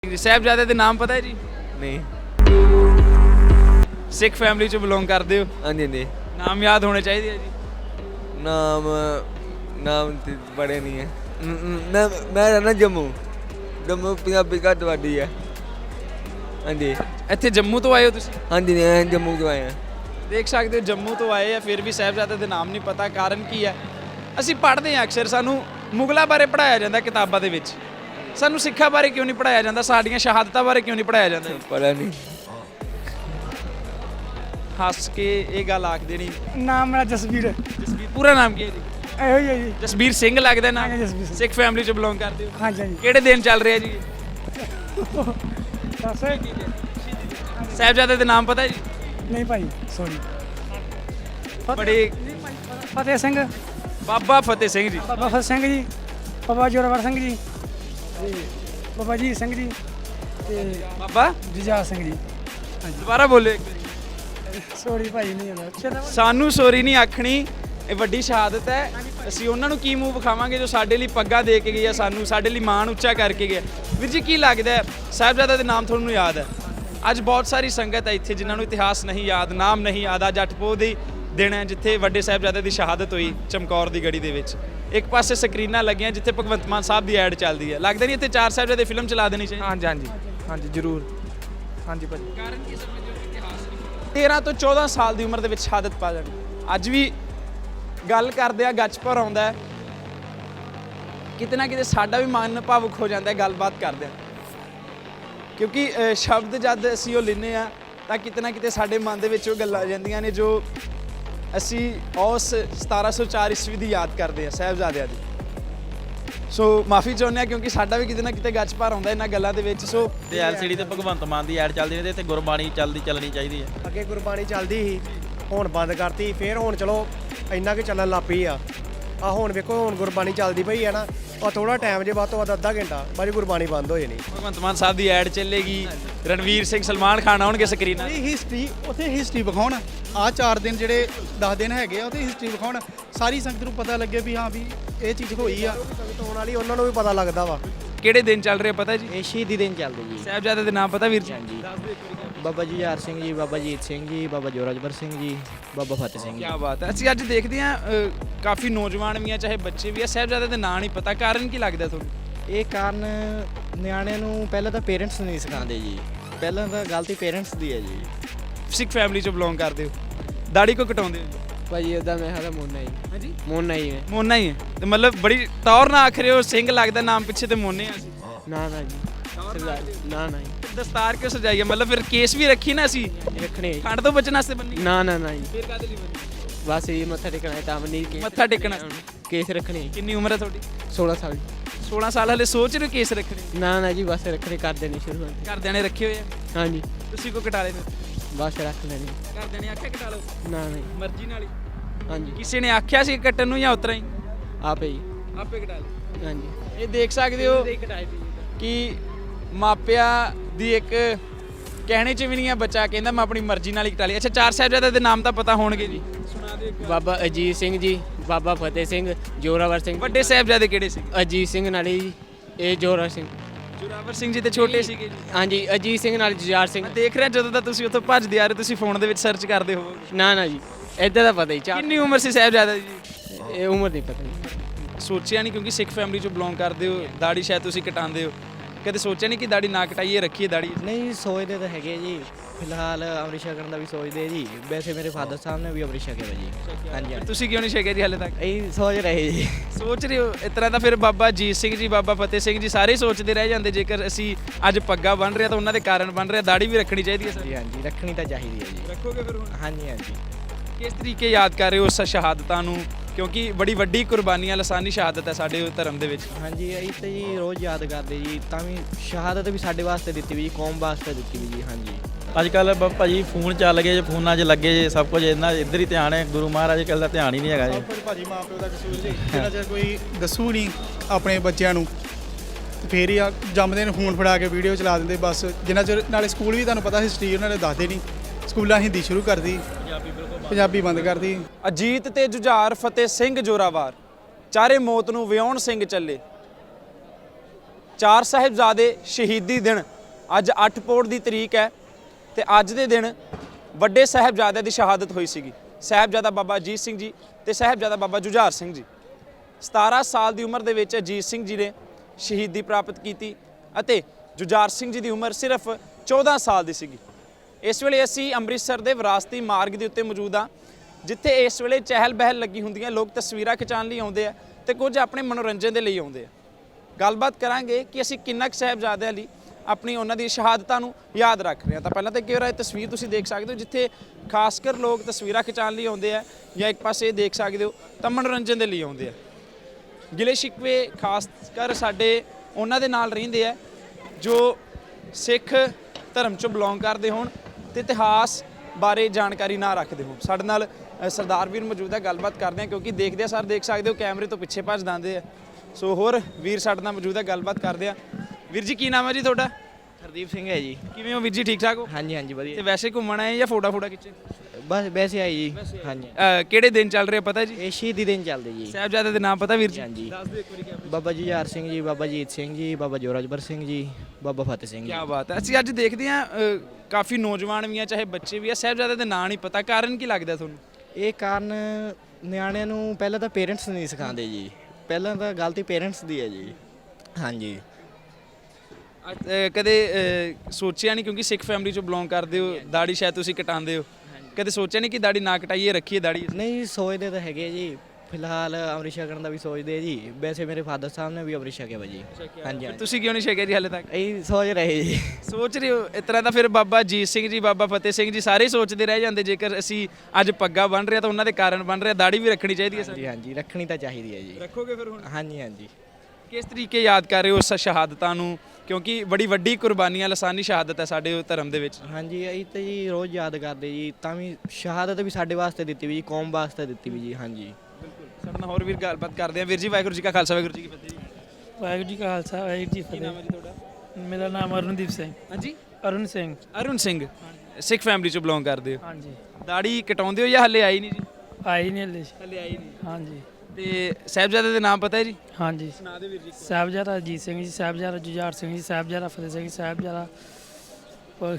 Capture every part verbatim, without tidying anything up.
ਸਾਹਿਬਜ਼ਾਦੇ ਦੇ ਨਾਮ ਪਤਾ ਹੈ ਜੀ? ਨਹੀਂ। ਸਿੱਖ ਫੈਮਿਲੀ ਚ ਬਿਲੋਂਗ ਕਰਦੇ ਹੋ? ਹਾਂਜੀ ਹਾਂਜੀ। ਨਾਮ ਯਾਦ ਹੋਣੇ ਚਾਹੀਦੇ ਆ ਜੀ। ਨਾਮ ਨਾਮ ਤੇ ਬੜੇ ਨਹੀਂ ਹੈ। ਮ- ਮ- ਮੈਂ ਮੈਂ ਰਹਿਣਾ ਜੰਮੂ। ਜੰਮੂ ਪੰਜਾਬੀ ਘੱਟ ਵੱਡੀ ਹੈ। ਹਾਂਜੀ ਇੱਥੇ ਜੰਮੂ ਤੋਂ ਆਏ ਹੋ ਤੁਸੀਂ? ਹਾਂਜੀ ਮੈਂ ਜੰਮੂ ਤੋਂ ਆਏ ਹਾਂ। ਦੇਖ ਸਕਦੇ ਹੋ ਜੰਮੂ ਤੋਂ ਆਏ ਆ, ਫਿਰ ਵੀ ਸਾਹਿਬਜ਼ਾਦੇ ਦੇ ਨਾਮ ਨਹੀਂ ਪਤਾ। ਕਾਰਨ ਕੀ ਹੈ? ਅਸੀਂ ਪੜ੍ਹਦੇ ਹਾਂ ਅਕਸਰ, ਸਾਨੂੰ ਮੁਗਲਾਂ ਬਾਰੇ ਪੜ੍ਹਾਇਆ ਜਾਂਦਾ ਕਿਤਾਬਾਂ ਦੇ ਵਿੱਚ, ਸਾਨੂੰ ਸਿੱਖਾਂ ਬਾਰੇ ਕਿਉਂ ਨਹੀਂ ਪੜ੍ਹਾਇਆ ਜਾਂਦਾ? ਸਾਡੀਆਂ ਸ਼ਹਾਦਤਾਂ ਬਾਰੇ ਕਿਉਂ ਨਹੀਂ ਪੜ੍ਹਾਇਆ ਜਾਂਦਾ? ਪਤਾ ਨਹੀਂ। ਹੱਸ ਕੇ ਇਹ ਗੱਲ ਆਖ ਦੇਣੀ। ਨਾਮ ਮੇਰਾ ਜਸਵੀਰ ਹੈ। ਜਸਬੀਰ ਪੂਰਾ ਨਾਮ ਕੀ ਹੈ ਜੀ? ਇਹੋ ਹੀ ਹੈ ਜੀ। ਜਸਬੀਰ ਸਿੰਘ ਲੱਗਦਾ ਨਾ? ਹਾਂਜੀ, ਜਸਬੀਰ ਸਿੰਘ। ਸਿੱਖ ਫੈਮਿਲੀ ਚ ਬਿਲੋਂਗ ਕਰਦੇ ਹੋ? ਹਾਂਜੀ ਹਾਂਜੀ। ਕਿਹੜੇ ਦਿਨ ਚੱਲ ਰਿਹਾ ਜੀ? ਦੱਸ। ਸਾਹਿਬਜ਼ਾਦੇ ਦੇ ਨਾਮ ਪਤਾ ਹੈ ਜੀ? ਨਹੀਂ ਭਾਈ ਸੌਰੀ। ਬੜੇ ਫਤਿਹ ਸਿੰਘ, ਬਾਬਾ ਫਤਿਹ ਸਿੰਘ ਜੀ, ਬਾਬਾ ਫਤਿਹ ਸਿੰਘ ਜੀ, ਬਾਬਾ ਜੋਰਾਵਰ ਸਿੰਘ ਜੀ, ਤੇ ਬਾਬਾ ਜੀ ਸਿੰਘ ਜੀ, ਤੇ ਬਾਬਾ ਜੁਝਾਰ ਸਿੰਘ ਜੀ। ਦੁਬਾਰਾ ਬੋਲਿਓ ਇੱਕ ਵਾਰੀ। ਸੌਰੀ ਭਾਈ ਨਹੀਂ ਆਉਂਦਾ। ਸਾਨੂੰ ਸੋਰੀ ਨਹੀਂ ਆਖਣੀ, ਇਹ ਵੱਡੀ ਸ਼ਹਾਦਤ ਹੈ। ਅਸੀਂ ਉਹਨਾਂ ਨੂੰ ਕੀ ਮੂੰਹ ਵਿਖਾਵਾਂਗੇ ਜੋ ਸਾਡੇ ਲਈ ਪੱਗਾਂ ਦੇ ਕੇ ਗਏ ਆ, ਸਾਨੂੰ ਸਾਡੇ ਲਈ ਮਾਣ ਉੱਚਾ ਕਰਕੇ ਗਏ। ਵੀਰ ਜੀ ਕੀ ਲੱਗਦਾ ਹੈ ਸਾਹਿਬਜ਼ਾਦਾ ਦੇ ਨਾਮ ਤੁਹਾਨੂੰ ਯਾਦ ਹੈ? ਅੱਜ ਬਹੁਤ ਸਾਰੀ ਸੰਗਤ ਹੈ ਇੱਥੇ ਜਿਨ੍ਹਾਂ ਨੂੰ ਇਤਿਹਾਸ ਨਹੀਂ ਯਾਦ, ਨਾਮ ਨਹੀਂ ਯਾਦ। ਅੱਜ ਅੱਠ ਪੋਹ ਦੀ ਦਿਨ ਹੈ ਜਿੱਥੇ ਵੱਡੇ ਸਾਹਿਬਜ਼ਾਦੇ ਦੀ ਸ਼ਹਾਦਤ ਹੋਈ ਚਮਕੌਰ ਦੀ ਗੜੀ ਦੇ ਵਿੱਚ। ਇੱਕ ਪਾਸੇ ਸਕਰੀਨਾਂ ਲੱਗੀਆਂ ਜਿੱਥੇ ਭਗਵੰਤ ਮਾਨ ਸਾਹਿਬ ਦੀ ਐਡ ਚੱਲਦੀ ਹੈ। ਲੱਗਦਾ ਨਹੀਂ ਇੱਥੇ ਚਾਰ ਸਾਹਿਬਜ਼ਾਦੇ ਫਿਲਮ ਚਲਾ ਦੇਣੀ ਚਾਹੀਦੀ? ਹਾਂਜੀ ਹਾਂਜੀ ਹਾਂਜੀ ਜ਼ਰੂਰ। ਹਾਂਜੀ ਭਾਜੀ। ਕਾਰਨ ਕੀ ਸਮਝਦੇ ਹੋ? ਇਤਿਹਾਸ ਤੇਰਾਂ ਤੋਂ ਚੌਦਾਂ ਸਾਲ ਦੀ ਉਮਰ ਦੇ ਵਿੱਚ ਸ਼ਹਾਦਤ ਪਾ ਜਾਣੀ। ਅੱਜ ਵੀ ਗੱਲ ਕਰਦੇ ਆ ਗੱਜ ਪਰ ਆਉਂਦਾ ਹੈ, ਕਿਤੇ ਨਾ ਕਿਤੇ ਸਾਡਾ ਵੀ ਮਨ ਭਾਵੁਕ ਹੋ ਜਾਂਦਾ ਹੈ ਗੱਲਬਾਤ ਕਰਦੇ ਆ, ਕਿਉਂਕਿ ਅ, ਸ਼ਬਦ ਜਦ ਅਸੀਂ ਉਹ ਲੈਂਦੇ ਆ ਤਾਂ ਕਿਤੇ ਨਾ ਕਿਤੇ ਸਾਡੇ ਮਨ ਦੇ ਵਿੱਚ ਉਹ ਗੱਲਾਂ ਆ ਜਾਂਦੀਆਂ ਨੇ ਜੋ ਅਸੀਂ ਉਸ ਸਤਾਰਾਂ ਸੌ ਚਾਰ ਈਸਵੀ ਦੀ ਯਾਦ ਕਰਦੇ ਆ ਸਾਹਿਬਜ਼ਾਦਿਆਂ ਦੀ। ਸੋ ਮਾਫੀ ਚਾਹੁੰਦੇ ਆ ਕਿਉਂਕਿ ਸਾਡਾ ਵੀ ਕਿਤੇ ਨਾ ਕਿਤੇ ਗੱਜ ਭਰ ਆਉਂਦਾ ਇਹਨਾਂ ਗੱਲਾਂ ਦੇ ਵਿੱਚ। ਸੋ ਤੇ ਐਲਸੀਡੀ ਤੇ ਭਗਵੰਤ ਮਾਨ ਦੀ ਐਡ ਚੱਲਦੀ ਰਹਿੰਦੀ ਤੇ ਗੁਰਬਾਣੀ ਚੱਲਦੀ ਚੱਲਣੀ ਚਾਹੀਦੀ ਹੈ। ਅੱਗੇ ਗੁਰਬਾਣੀ ਚੱਲਦੀ ਸੀ, ਹੁਣ ਬੰਦ ਕਰਤੀ, ਫਿਰ ਹੁਣ ਚਲੋ ਇੰਨਾ ਕਿ ਚੱਲਣ ਲੱਗ ਪਈ ਆ। ਆ ਹੁਣ ਵੇਖੋ ਹੁਣ ਗੁਰਬਾਣੀ ਚੱਲਦੀ ਪਈ ਹੈ ਨਾ, ਆ ਥੋੜਾ ਟਾਈਮ ਜੇ ਬਾਅਦ ਤੋਂ ਬਾਅਦ ਅੱਧਾ ਘੰਟਾ ਬਾਅਦ ਗੁਰਬਾਣੀ ਬੰਦ ਹੋ ਜਾਣੀ। ਭਗਵੰਤ ਮਾਨ ਸਾਹਿਬ ਦੀ ਐਡ ਚੱਲੇਗੀ, ਰਣਵੀਰ ਸਿੰਘ, ਸਲਮਾਨ ਖਾਨ ਆਉਣਗੇ ਸਕਰੀਨਾਂ ਤੇ। ਇਹ ਹਿਸਟਰੀ ਉੱਥੇ ਹਿਸਟਰੀ ਵਿਖਾਉਣ, ਆ ਚਾਰ ਦਿਨ ਜਿਹੜੇ ਦਸ ਦਿਨ ਹੈਗੇ ਆ ਉਹਦੇ ਹਿਸਟਰੀ ਵਿਖਾਉਣ, ਸਾਰੀ ਸੰਗਤ ਨੂੰ ਪਤਾ ਲੱਗੇ ਵੀ ਹਾਂ ਵੀ ਇਹ ਚੀਜ਼ ਹੋਈ ਆ। ਸੰਗਤ ਆਉਣ ਵਾਲੀ ਉਹਨਾਂ ਨੂੰ ਵੀ ਪਤਾ ਲੱਗਦਾ ਵਾ। ਕਿਹੜੇ ਦਿਨ ਚੱਲ ਰਹੇ ਪਤਾ ਜੀ? ਇਹ ਸ਼ਹੀਦੀ ਦਿਨ ਚੱਲਦੇ ਜੀ। ਸਾਹਿਬਜ਼ਾਦੇ ਦੇ ਨਾਮ ਪਤਾ ਵੀਰ ਜੀ? ਬਾਬਾ ਜੁਝਾਰ ਸਿੰਘ ਜੀ, ਬਾਬਾ ਜੀਤ ਸਿੰਘ ਜੀ, ਬਾਬਾ ਜੋਰਾਵਰ ਸਿੰਘ ਜੀ, ਬਾਬਾ ਫਤਿਹ ਸਿੰਘ ਜੀ। ਕੀ ਬਾਤ ਹੈ। ਅਸੀਂ ਅੱਜ ਦੇਖਦੇ ਹਾਂ ਅ, ਕਾਫੀ ਨੌਜਵਾਨ ਵੀ ਆ ਚਾਹੇ ਬੱਚੇ ਵੀ ਆ, ਸਾਹਿਬਜ਼ਾਦੇ ਦੇ ਨਾਂ ਨਹੀਂ ਪਤਾ। ਕਾਰਨ ਕੀ ਲੱਗਦਾ ਤੁਹਾਨੂੰ? ਇਹ ਕਾਰਨ ਨਿਆਣਿਆਂ ਨੂੰ ਪਹਿਲਾਂ ਤਾਂ ਪੇਰੈਂਟਸ ਨਹੀਂ ਸਿਖਾਉਂਦੇ ਜੀ, ਪਹਿਲਾਂ ਤਾਂ ਗਲਤੀ ਪੇਰੈਂਟਸ ਦੀ ਹੈ ਜੀ। ਸਿੱਖ ਫੈਮਿਲੀ ਚੋਂ ਬਿਲੋਂਗ ਕਰਦੇ ਹੋ, ਦਾੜੀ ਕੋ ਕਟਾਉਂਦੇ ਹੋ? ਭਾਜੀ ਉਹਦਾ ਮੈਂ ਹਾਂ ਮੋਨਾ ਹੀ ਹਾਂਜੀ ਮੋਨਾ ਹੀ ਹੈ। ਮੋਨਾ ਹੀ ਹੈ ਤੇ ਮਤਲਬ ਬੜੀ ਟੌਰ ਨਾ ਆਖ ਰਹੇ ਹੋ, ਸਿੰਘ ਲੱਗਦਾ ਨਾਮ ਪਿੱਛੇ ਤੇ ਮੋਨੇ ਆ ਅਸੀਂ। ਨਾ ਨਾ ਜੀ ਸਰਦਾਰ ਨਾ ਨਾ ਜੀ ਦਸਤਾਰ ਕਿਉਂ ਸਜਾਈ ਹੈ? ਮਤਲਬ ਫਿਰ ਕੇਸ ਵੀ ਰੱਖੀ ਨਾ ਅਸੀਂ ਰੱਖਣੇ ਠੰਡ ਤੋਂ ਬਚਣ ਵਾਸਤੇ ਬੰਨੀ? ਨਾ ਨਾ ਨਾ ਜੀ ਫਿਰ ਕਾਹਦੇ ਲਈ ਬੰਨੀ? ਬਸ ਇਹ ਮੱਥਾ ਟੇਕਣਾ ਹੈ ਤਾਂ ਨਹੀਂ ਕੇਸ ਮੱਥਾ ਟੇਕਣਾ। ਕੇਸ ਰੱਖਣੇ। ਕਿੰਨੀ ਉਮਰ ਹੈ ਤੁਹਾਡੀ? ਸੋਲਾਂ ਸਾਲ ਜੀ। ਸੋਲਾਂ ਸਾਲ ਹਲੇ ਸੋਚ ਰਹੇ ਹੋ ਕੇਸ ਰੱਖਣੇ? ਨਾ ਨਾ ਜੀ ਬਸ ਰੱਖਣੇ ਕਰ ਦੇਣੇ ਸ਼ੁਰੂ। ਘਰਦਿਆਂ ਨੇ ਰੱਖੇ ਹੋਏ ਆ, ਹਾਂਜੀ ਤੁਸੀਂ ਕੋ ਕਟਾ ਲਏ ਫਿਰ? ਬਸ ਰੱਖ ਲੈਣੇ। ਘਰਦਿਆਂ ਨੇ ਆਖਿਆ ਕਟਾ ਲਓ? ਨਾ ਨਹੀਂ ਮਰਜ਼ੀ ਨਾਲ ਹੀ? ਹਾਂਜੀ ਕਿਸੇ ਨੇ ਆਖਿਆ ਸੀ ਕੱਟਣ ਨੂੰ ਜਾਂ ਉਤਰਾ ਹੀ ਆਪੇ ਜੀ। ਆਪੇ ਕਟਾ ਲਏ? ਹਾਂਜੀ ਇਹ ਦੇਖ ਸਕਦੇ ਹੋ ਕਿ ਮਾਪਿਆਂ ਦੀ ਇੱਕ ਕਹਿਣੇ ਚ ਵੀ ਨਹੀਂ ਹੈ, ਬੱਚਾ ਕਹਿੰਦਾ ਮੈਂ ਆਪਣੀ ਮਰਜ਼ੀ ਨਾਲ ਹੀ ਕਟਾ ਲਈ। ਅੱਛਾ ਚਾਰ ਸਾਹਿਬਜ਼ਾਦੇ ਦੇ ਨਾਮ ਤਾਂ ਪਤਾ ਹੋਣਗੇ ਜੀ, ਸੁਣਾ ਦਿਓ ਇੱਕ। ਬਾਬਾ ਅਜੀਤ ਸਿੰਘ ਜੀ, ਬਾਬਾ ਫਤਿਹ ਸਿੰਘ, ਜੋਰਾਵਰ ਸਿੰਘ। ਵੱਡੇ ਸਾਹਿਬਜ਼ਾਦੇ ਕਿਹੜੇ ਸੀ? ਅਜੀਤ ਸਿੰਘ ਨਾਲੇ ਜੀ, ਇਹ ਜੋਰਾਵਰ ਸਿੰਘ। ਜੋਰਾਵਰ ਸਿੰਘ ਜੀ ਤੇ ਛੋਟੇ ਸੀਗੇ ਜੀ? ਹਾਂਜੀ ਅਜੀਤ ਸਿੰਘ ਨਾਲ ਜੁਝਾਰ ਸਿੰਘ। ਮੈਂ ਦੇਖ ਰਿਹਾ ਜਦੋਂ ਦਾ ਤੁਸੀਂ ਉੱਥੋਂ ਭੱਜਦੇ ਆ ਰਹੇ ਤੁਸੀਂ ਫੋਨ ਦੇ ਵਿੱਚ ਸਰਚ ਕਰਦੇ ਹੋ। ਨਾ ਨਾ ਜੀ ਇੱਦਾਂ ਦਾ ਪਤਾ ਹੀ ਚਾਰ। ਕਿੰਨੀ ਉਮਰ ਸੀ ਸਾਹਿਬਜ਼ਾਦੇ ਦੀ? ਇਹ ਉਮਰ ਨਹੀਂ ਪਤਾ ਜੀ। ਸੋਚਿਆ ਨਹੀਂ ਕਿਉਂਕਿ ਸਿੱਖ ਫੈਮਿਲੀ ਚੋਂ ਬਿਲੋਂਗ ਕਰਦੇ ਹੋ, ਦਾੜੀ ਸ਼ਾਇਦ ਤੁਸੀਂ ਕਟਾਉਂਦੇ ਹੋ, ਕਦੇ ਸੋਚਿਆ ਨਹੀਂ ਕਿ ਦਾੜੀ ਨਾ ਕਟਾਈਏ, ਰੱਖੀਏ ਦਾੜੀ? ਨਹੀਂ ਸੋਚਦੇ ਤਾਂ ਹੈਗੇ ਜੀ, ਫਿਲਹਾਲ ਅੰਮ੍ਰਿਤ ਛਕਣ ਦਾ ਵੀ ਸੋਚਦੇ ਜੀ। ਵੈਸੇ ਮੇਰੇ ਫਾਦਰ ਸਾਹਿਬ ਨੇ ਵੀ ਅੰਮ੍ਰਿਤ ਛਕਿਆ ਵਾ ਜੀ। ਹਾਂਜੀ ਫਿਰ ਤੁਸੀਂ ਕਿਉਂ ਨਹੀਂ ਛਕਿਆ ਜੀ ਹਾਲੇ ਤੱਕ? ਇਹ ਸੋਚ ਰਹੇ ਜੀ। ਸੋਚ ਰਹੇ ਹੋ ਇਸ ਤਰ੍ਹਾਂ ਤਾਂ ਫਿਰ ਬਾਬਾ ਜੀਤ ਸਿੰਘ ਜੀ, ਬਾਬਾ ਫਤਿਹ ਸਿੰਘ ਜੀ ਸਾਰੇ ਸੋਚਦੇ ਰਹਿ ਜਾਂਦੇ। ਜੇਕਰ ਅਸੀਂ ਅੱਜ ਪੱਗਾਂ ਬੰਨ ਰਹੇ ਤਾਂ ਉਹਨਾਂ ਦੇ ਕਾਰਨ ਬਣ ਰਿਹਾ, ਦਾੜੀ ਵੀ ਰੱਖਣੀ ਚਾਹੀਦੀ ਹੈ ਸਰ। ਜੀ ਹਾਂਜੀ ਰੱਖਣੀ ਤਾਂ ਚਾਹੀਦੀ ਹੈ ਜੀ। ਰੱਖੋਗੇ ਫਿਰ ਹੁਣ? ਹਾਂਜੀ ਹਾਂਜੀ। ਕਿਸ ਤਰੀਕੇ ਯਾਦ ਕਰ ਰਹੇ ਹੋ ਉਸ ਸ਼ਹਾਦਤਾਂ ਨੂੰ, ਕਿਉਂਕਿ ਬੜੀ ਵੱਡੀ ਕੁਰਬਾਨੀਆਂ ਲਾਸਾਨੀ ਸ਼ਹਾਦਤ ਹੈ ਸਾਡੇ ਧਰਮ ਦੇ ਵਿੱਚ? ਹਾਂਜੀ ਇਹ ਤਾਂ ਜੀ ਰੋਜ਼ ਯਾਦ ਕਰਦੇ ਜੀ, ਤਾਂ ਵੀ ਸ਼ਹਾਦਤ ਵੀ ਸਾਡੇ ਵਾਸਤੇ ਦਿੱਤੀ ਵੀ ਜੀ, ਕੌਮ ਵਾਸਤੇ ਦਿੱਤੀ ਵੀ ਜੀ। ਹਾਂਜੀ ਅੱਜ ਕੱਲ ਭਾਜੀ ਫੋਨ ਚੱਲ ਗਏ ਜੇ, ਫੋਨਾਂ 'ਚ ਲੱਗੇ ਜੇ ਸਭ ਕੁਝ, ਇਹਨਾਂ ਇੱਧਰ ਹੀ ਧਿਆਨ ਹੈ। ਗੁਰੂ ਮਹਾਰਾਜ ਕੱਲ ਦਾ ਧਿਆਨ ਹੀ ਨਹੀਂ ਹੈਗਾ ਜੀ। ਸਭ ਕੁਝ ਭਾਜੀ ਮਾਂ ਪਿਓ ਦਾ ਕਸੂਰ ਜੀ। ਜਿੰਨਾ ਚਿਰ ਕੋਈ ਦੱਸੂ ਨਹੀਂ ਆਪਣੇ ਬੱਚਿਆਂ ਨੂੰ ਤੇ ਫੇਰ ਹੀ ਆ ਜੰਮਦੇ ਨੂੰ ਫੋਨ ਫੜਾ ਕੇ ਵੀਡੀਓ ਚਲਾ ਦਿੰਦੇ ਬਸ। ਜਿੰਨਾ ਚਿਰ ਨਾਲੇ ਸਕੂਲ ਵੀ ਤੁਹਾਨੂੰ ਪਤਾ ਹਿਸਟਰੀ ਉਹਨਾਂ ਨੇ ਦੱਸਦੇ ਨਹੀਂ, ਸਕੂਲਾਂ ਹਿੰਦੀ ਸ਼ੁਰੂ ਕਰਦੀ, ਪੰਜਾਬੀ ਬੰਦ ਕਰਦੀ। ਅਜੀਤ ਤੇ ਜੁਝਾਰ, ਫਤਿਹ ਸਿੰਘ ਜੋਰਾਵਰ, ਚਾਰੇ ਮੌਤ ਨੂੰ ਵਿਆਉਣ ਸਿੰਘ ਚੱਲੇ। ਚਾਰ ਸਾਹਿਬਜ਼ਾਦੇ ਸ਼ਹੀਦੀ ਦਿਨ ਅੱਜ ਅੱਠ ਪੋੜ ਦੀ ਤਰੀਕ ਹੈ ਤੇ ਅੱਜ ਦੇ ਦਿਨ ਵੱਡੇ ਸਾਹਿਬਜ਼ਾਦਿਆਂ ਦੀ ਸ਼ਹਾਦਤ ਹੋਈ ਸੀਗੀ। ਸਾਹਿਬਜ਼ਾਦਾ ਬਾਬਾ ਅਜੀਤ ਸਿੰਘ ਜੀ ਤੇ ਸਾਹਿਬਜ਼ਾਦਾ ਬਾਬਾ ਜੁਝਾਰ ਸਿੰਘ ਜੀ। ਸਤਾਰਾਂ ਸਾਲ ਦੀ ਉਮਰ ਦੇ ਵਿੱਚ ਅਜੀਤ ਸਿੰਘ ਜੀ ਨੇ ਸ਼ਹੀਦੀ ਪ੍ਰਾਪਤ ਕੀਤੀ ਅਤੇ ਜੁਝਾਰ ਸਿੰਘ ਜੀ ਦੀ ਉਮਰ ਸਿਰਫ ਚੌਦਾਂ ਸਾਲ ਦੀ ਸੀਗੀ। ਇਸ ਵੇਲੇ ਅਸੀਂ ਅੰਮ੍ਰਿਤਸਰ ਦੇ ਵਿਰਾਸਤੀ ਮਾਰਗ ਦੇ ਉੱਤੇ ਮੌਜੂਦ ਹਾਂ, ਜਿੱਥੇ ਇਸ ਵੇਲੇ ਚਹਿਲ ਪਹਿਲ ਲੱਗੀ ਹੁੰਦੀ ਹੈ। ਲੋਕ ਤਸਵੀਰਾਂ ਖਿਚਾਉਣ ਲਈ ਆਉਂਦੇ ਆ ਤੇ ਕੁਝ ਆਪਣੇ ਮਨੋਰੰਜਨ ਦੇ ਲਈ ਆਉਂਦੇ ਆ। ਗੱਲਬਾਤ ਕਰਾਂਗੇ ਕਿ ਅਸੀਂ ਕਿੰਨਾ ਕੁ ਸਾਹਿਬਜ਼ਾਦਿਆਂ ਲਈ ਆਪਣੀ ਉਹਨਾਂ ਦੀ ਸ਼ਹਾਦਤਾਂ ਨੂੰ ਯਾਦ ਰੱਖ ਰਹੇ ਹਾਂ। ਤਾਂ ਪਹਿਲਾਂ ਤਾਂ ਕਿ ਇਹ ਤਸਵੀਰ ਤੁਸੀਂ ਦੇਖ ਸਕਦੇ ਹੋ, ਜਿੱਥੇ ਖਾਸ ਕਰ ਲੋਕ ਤਸਵੀਰਾਂ ਖਿਚਾਉਣ ਲਈ ਆਉਂਦੇ ਆ ਜਾਂ ਇੱਕ ਪਾਸੇ ਇਹ ਦੇਖ ਸਕਦੇ ਹੋ ਤਾਂ ਮਨੋਰੰਜਨ ਦੇ ਲਈ ਆਉਂਦੇ ਆ। ਗਿਲੇ ਸ਼ਿਕਵੇ ਖਾਸ ਕਰ ਸਾਡੇ ਉਹਨਾਂ ਦੇ ਨਾਲ ਰਹਿੰਦੇ ਆ ਜੋ ਸਿੱਖ ਧਰਮ ਚੋਂ ਬਿਲੋਂਗ ਕਰਦੇ ਹੋਣ ਤੇ ਇਤਿਹਾਸ ਬਾਰੇ ਜਾਣਕਾਰੀ ਨਾ ਰੱਖਦੇ ਹੋਣ। ਸਾਡੇ ਨਾਲ ਅ, ਸਰਦਾਰ ਵੀਰ ਮੌਜੂਦ ਹੈ, ਗੱਲਬਾਤ ਕਰਦੇ ਆ ਕਿਉਂਕਿ ਦੇਖਦੇ ਆ ਸਰ ਦੇਖ ਸਕਦੇ ਹੋ ਕੈਮਰੇ ਤੋਂ ਪਿੱਛੇ ਭੱਜ ਜਾਂਦੇ ਆ। ਸੋ ਹੋਰ ਵੀਰ ਸਾਡੇ ਨਾਲ ਮੌਜੂਦ ਹੈ, ਗੱਲਬਾਤ ਕਰਦੇ ਆ। ਵੀਰ ਜੀ ਕੀ ਨਾਮ ਹੈ ਜੀ ਤੁਹਾਡਾ? ਹਰਦੀਪ ਸਿੰਘ ਹੈ ਜੀ। ਕਿਵੇਂ ਹੋ ਵੀਰ ਜੀ, ਠੀਕ ਠਾਕ ਹੋ? ਹਾਂਜੀ ਹਾਂਜੀ ਤੇ ਵਧੀਆ। ਵੈਸੇ ਘੁੰਮਣ ਆਏ ਜਾਂ ਫੋਟਾ ਫੋਟਾ ਖਿੱਚੇ? ਬਸ ਵੈਸੇ ਆਈ ਜੀ। ਹਾਂਜੀ ਅ, ਕਿਹੜੇ ਦਿਨ ਚੱਲ ਰਿਹਾ ਪਤਾ ਜੀ? ਇਹ ਸ਼ਹੀਦੀ ਦਿਨ ਚੱਲਦੇ ਜੀ। ਸਾਹਿਬਜ਼ਾਦੇ ਦੇ ਨਾਮ ਪਤਾ ਵੀਰ ਜੀ? ਹਾਂਜੀ। ਦੱਸ ਦਿਓ ਇੱਕ ਵਾਰੀ ਕੀ ਬਾਬਾ ਜੁਝਾਰ ਸਿੰਘ ਜੀ, ਬਾਬਾ ਅਜੀਤ ਸਿੰਘ ਜੀ, ਬਾਬਾ ਜੋਰਾਵਰ ਸਿੰਘ ਜੀ, ਬਾਬਾ ਫਤਿਹ ਸਿੰਘ ਜੀ। ਕੀ ਬਾਤ ਹੈ। ਅਸੀਂ ਅੱਜ ਦੇਖਦੇ ਹਾਂ ਅ, ਕਾਫੀ ਨੌਜਵਾਨ ਵੀ ਆ ਚਾਹੇ ਬੱਚੇ ਵੀ ਆ, ਸਾਹਿਬਜ਼ਾਦੇ ਦੇ ਨਾਂ ਨਹੀਂ ਪਤਾ। ਕਾਰਨ ਕੀ ਲੱਗਦਾ ਤੁਹਾਨੂੰ? ਇਹ ਕਾਰਨ ਨਿਆਣਿਆਂ ਨੂੰ ਪਹਿਲਾਂ ਤਾਂ ਪੇਰੈਂਟਸ ਨਹੀਂ ਸਿਖਾਉਂਦੇ ਜੀ। ਪਹਿਲਾਂ ਤਾਂ ਗਲਤੀ ਪੇਰੈਂਟਸ ਦੀ ਹੈ ਜੀ। ਹਾਂਜੀ। ਅ, ਕਦੇ ਅ, ਸੋਚਿਆ ਨਹੀਂ ਕਿਉਂਕਿ ਸਿੱਖ ਫੈਮਿਲੀ ਚੋਂ ਬਿਲੋਂਗ ਕਰਦੇ ਹੋ, ਦਾੜੀ ਸ਼ਾਇਦ ਤੁਸੀਂ ਕਟਾਉਂਦੇ ਹੋ, ਕਦੇ ਸੋਚਿਆ ਨਹੀਂ ਕਿ ਦਾੜੀ ਨਾ ਕਟਾਈਏ ਰੱਖੀਏ ਦਾੜੀ? ਨਹੀਂ ਸੋਚਦੇ ਤਾਂ ਹੈਗੇ ਜੀ। ਫਿਲਹਾਲ ਅੰਮ੍ਰਿਤ ਛਕਣ ਦਾ ਵੀ ਸੋਚਦੇ ਜੀ। ਵੈਸੇ ਮੇਰੇ ਫਾਦਰ ਸਾਹਿਬ ਨੇ ਵੀ ਅੰਮ੍ਰਿਤ ਛਕਿਆ ਵਾ ਜੀ। ਹਾਂਜੀ ਫਿਰ ਤੁਸੀਂ ਕਿਉਂ ਨਹੀਂ ਛਕਿਆ ਜੀ ਹਾਲੇ ਤੱਕ? ਇਹ ਸੋਚ ਰਹੇ ਜੀ। ਸੋਚ ਰਹੇ ਹੋ ਇਸ ਤਰ੍ਹਾਂ ਤਾਂ ਫਿਰ ਬਾਬਾ ਅਜੀਤ ਸਿੰਘ ਜੀ, ਬਾਬਾ ਫਤਿਹ ਸਿੰਘ ਜੀ ਸਾਰੇ ਸੋਚਦੇ ਰਹਿ ਜਾਂਦੇ। ਜੇਕਰ ਅਸੀਂ ਅੱਜ ਪੱਗਾ ਬਣ ਰਿਹਾ ਤਾਂ ਉਹਨਾਂ ਦੇ ਕਾਰਨ ਬਣ ਰਿਹਾ। ਦਾੜੀ ਵੀ ਰੱਖਣੀ ਚਾਹੀਦੀ ਹੈ ਸਰ। ਹਾਂਜੀ ਹਾਂਜੀ ਰੱਖਣੀ ਤਾਂ ਚਾਹੀਦੀ ਹੈ ਜੀ। ਰੱਖੋਗੇ ਫਿਰ ਹੁਣ? ਹਾਂਜੀ ਹਾਂਜੀ। ਕਿਸ ਤਰੀਕੇ ਯਾਦ ਕਰ ਰਹੇ ਹੋ ਉਸ ਸ਼ਹਾਦਤਾਂ ਨੂੰ, ਕਿਉਂਕਿ ਬੜੀ ਵੱਡੀ ਕੁਰਬਾਨੀਆਂ ਲਾਸਾਨੀ ਸ਼ਹਾਦਤ ਹੈ ਸਾਡੇ ਧਰਮ ਦੇ ਵਿੱਚ? ਹਾਂਜੀ ਅਸੀਂ ਤਾਂ ਜੀ ਰੋਜ਼ ਯਾਦ ਕਰਦੇ ਜੀ। ਤਾਂ ਵੀ ਸ਼ਹਾਦਤ ਵੀ ਸਾਡੇ ਵਾਸਤੇ ਦਿੱਤੀ ਵੀ ਜੀ, ਕੌਮ ਵਾਸਤੇ ਦਿੱਤੀ ਵੀ ਜੀ। ਹਾਂਜੀ ਬਿਲਕੁਲ। ਸਾਡੇ ਨਾਲ ਹੋਰ ਵੀਰ ਗੱਲਬਾਤ ਕਰਦੇ ਆ। ਵੀਰ ਜੀ ਵਾਹਿਗੁਰੂ ਜੀ ਕਾ ਖਾਲਸਾ ਵਾਹਿਗੁਰੂ ਜੀ ਕੀ ਫਤਿਹ ਜੀ। ਵਾਹਿਗੁਰੂ ਜੀ ਕਾ ਖਾਲਸਾ ਵਾਹਿਗੁਰੂ ਜੀ ਕੀ ਨਾਮ ਹੈ ਜੀ ਤੁਹਾਡਾ? ਫਤਿਹ। ਮੇਰਾ ਨਾਮ ਅਰੁਣਦੀਪ ਸਿੰਘ। ਹਾਂਜੀ ਅਰੁਣ ਸਿੰਘ। ਅਰੁਣ ਸਿੰਘ। ਸਿੱਖ ਫੈਮਿਲੀ ਚੋਂ ਬਿਲੋਂਗ ਕਰਦੇ ਹੋ? ਹਾਂਜੀ। ਦਾੜੀ ਕਟਾਉਂਦੇ ਹੋ ਜਾਂ ਹੱਲੇ ਆਈ ਨਹੀਂ ਜੀ? ਆਈ ਨਹੀਂ ਹਲੇ। ਹੱਲੇ ਆਈ ਨਹੀਂ। ਹਾਂਜੀ ਤੇ ਸਾਹਿਬਜ਼ਾਦੇ ਦੇ ਨਾਮ ਪਤਾ ਹੈ ਜੀ? ਹਾਂਜੀ। ਸੁਣਾ ਦਿਓ ਵੀਰ ਜੀ। ਸਾਹਿਬਜ਼ਾਦਾ ਅਜੀਤ ਸਿੰਘ ਜੀ, ਸਾਹਿਬਜ਼ਾਦਾ ਜੁਝਾਰ ਸਿੰਘ ਜੀ, ਸਾਹਿਬਜ਼ਾਦਾ ਫਤਿਹ ਸਿੰਘ ਜੀ, ਸਾਹਿਬਜ਼ਾਦਾ ਪ-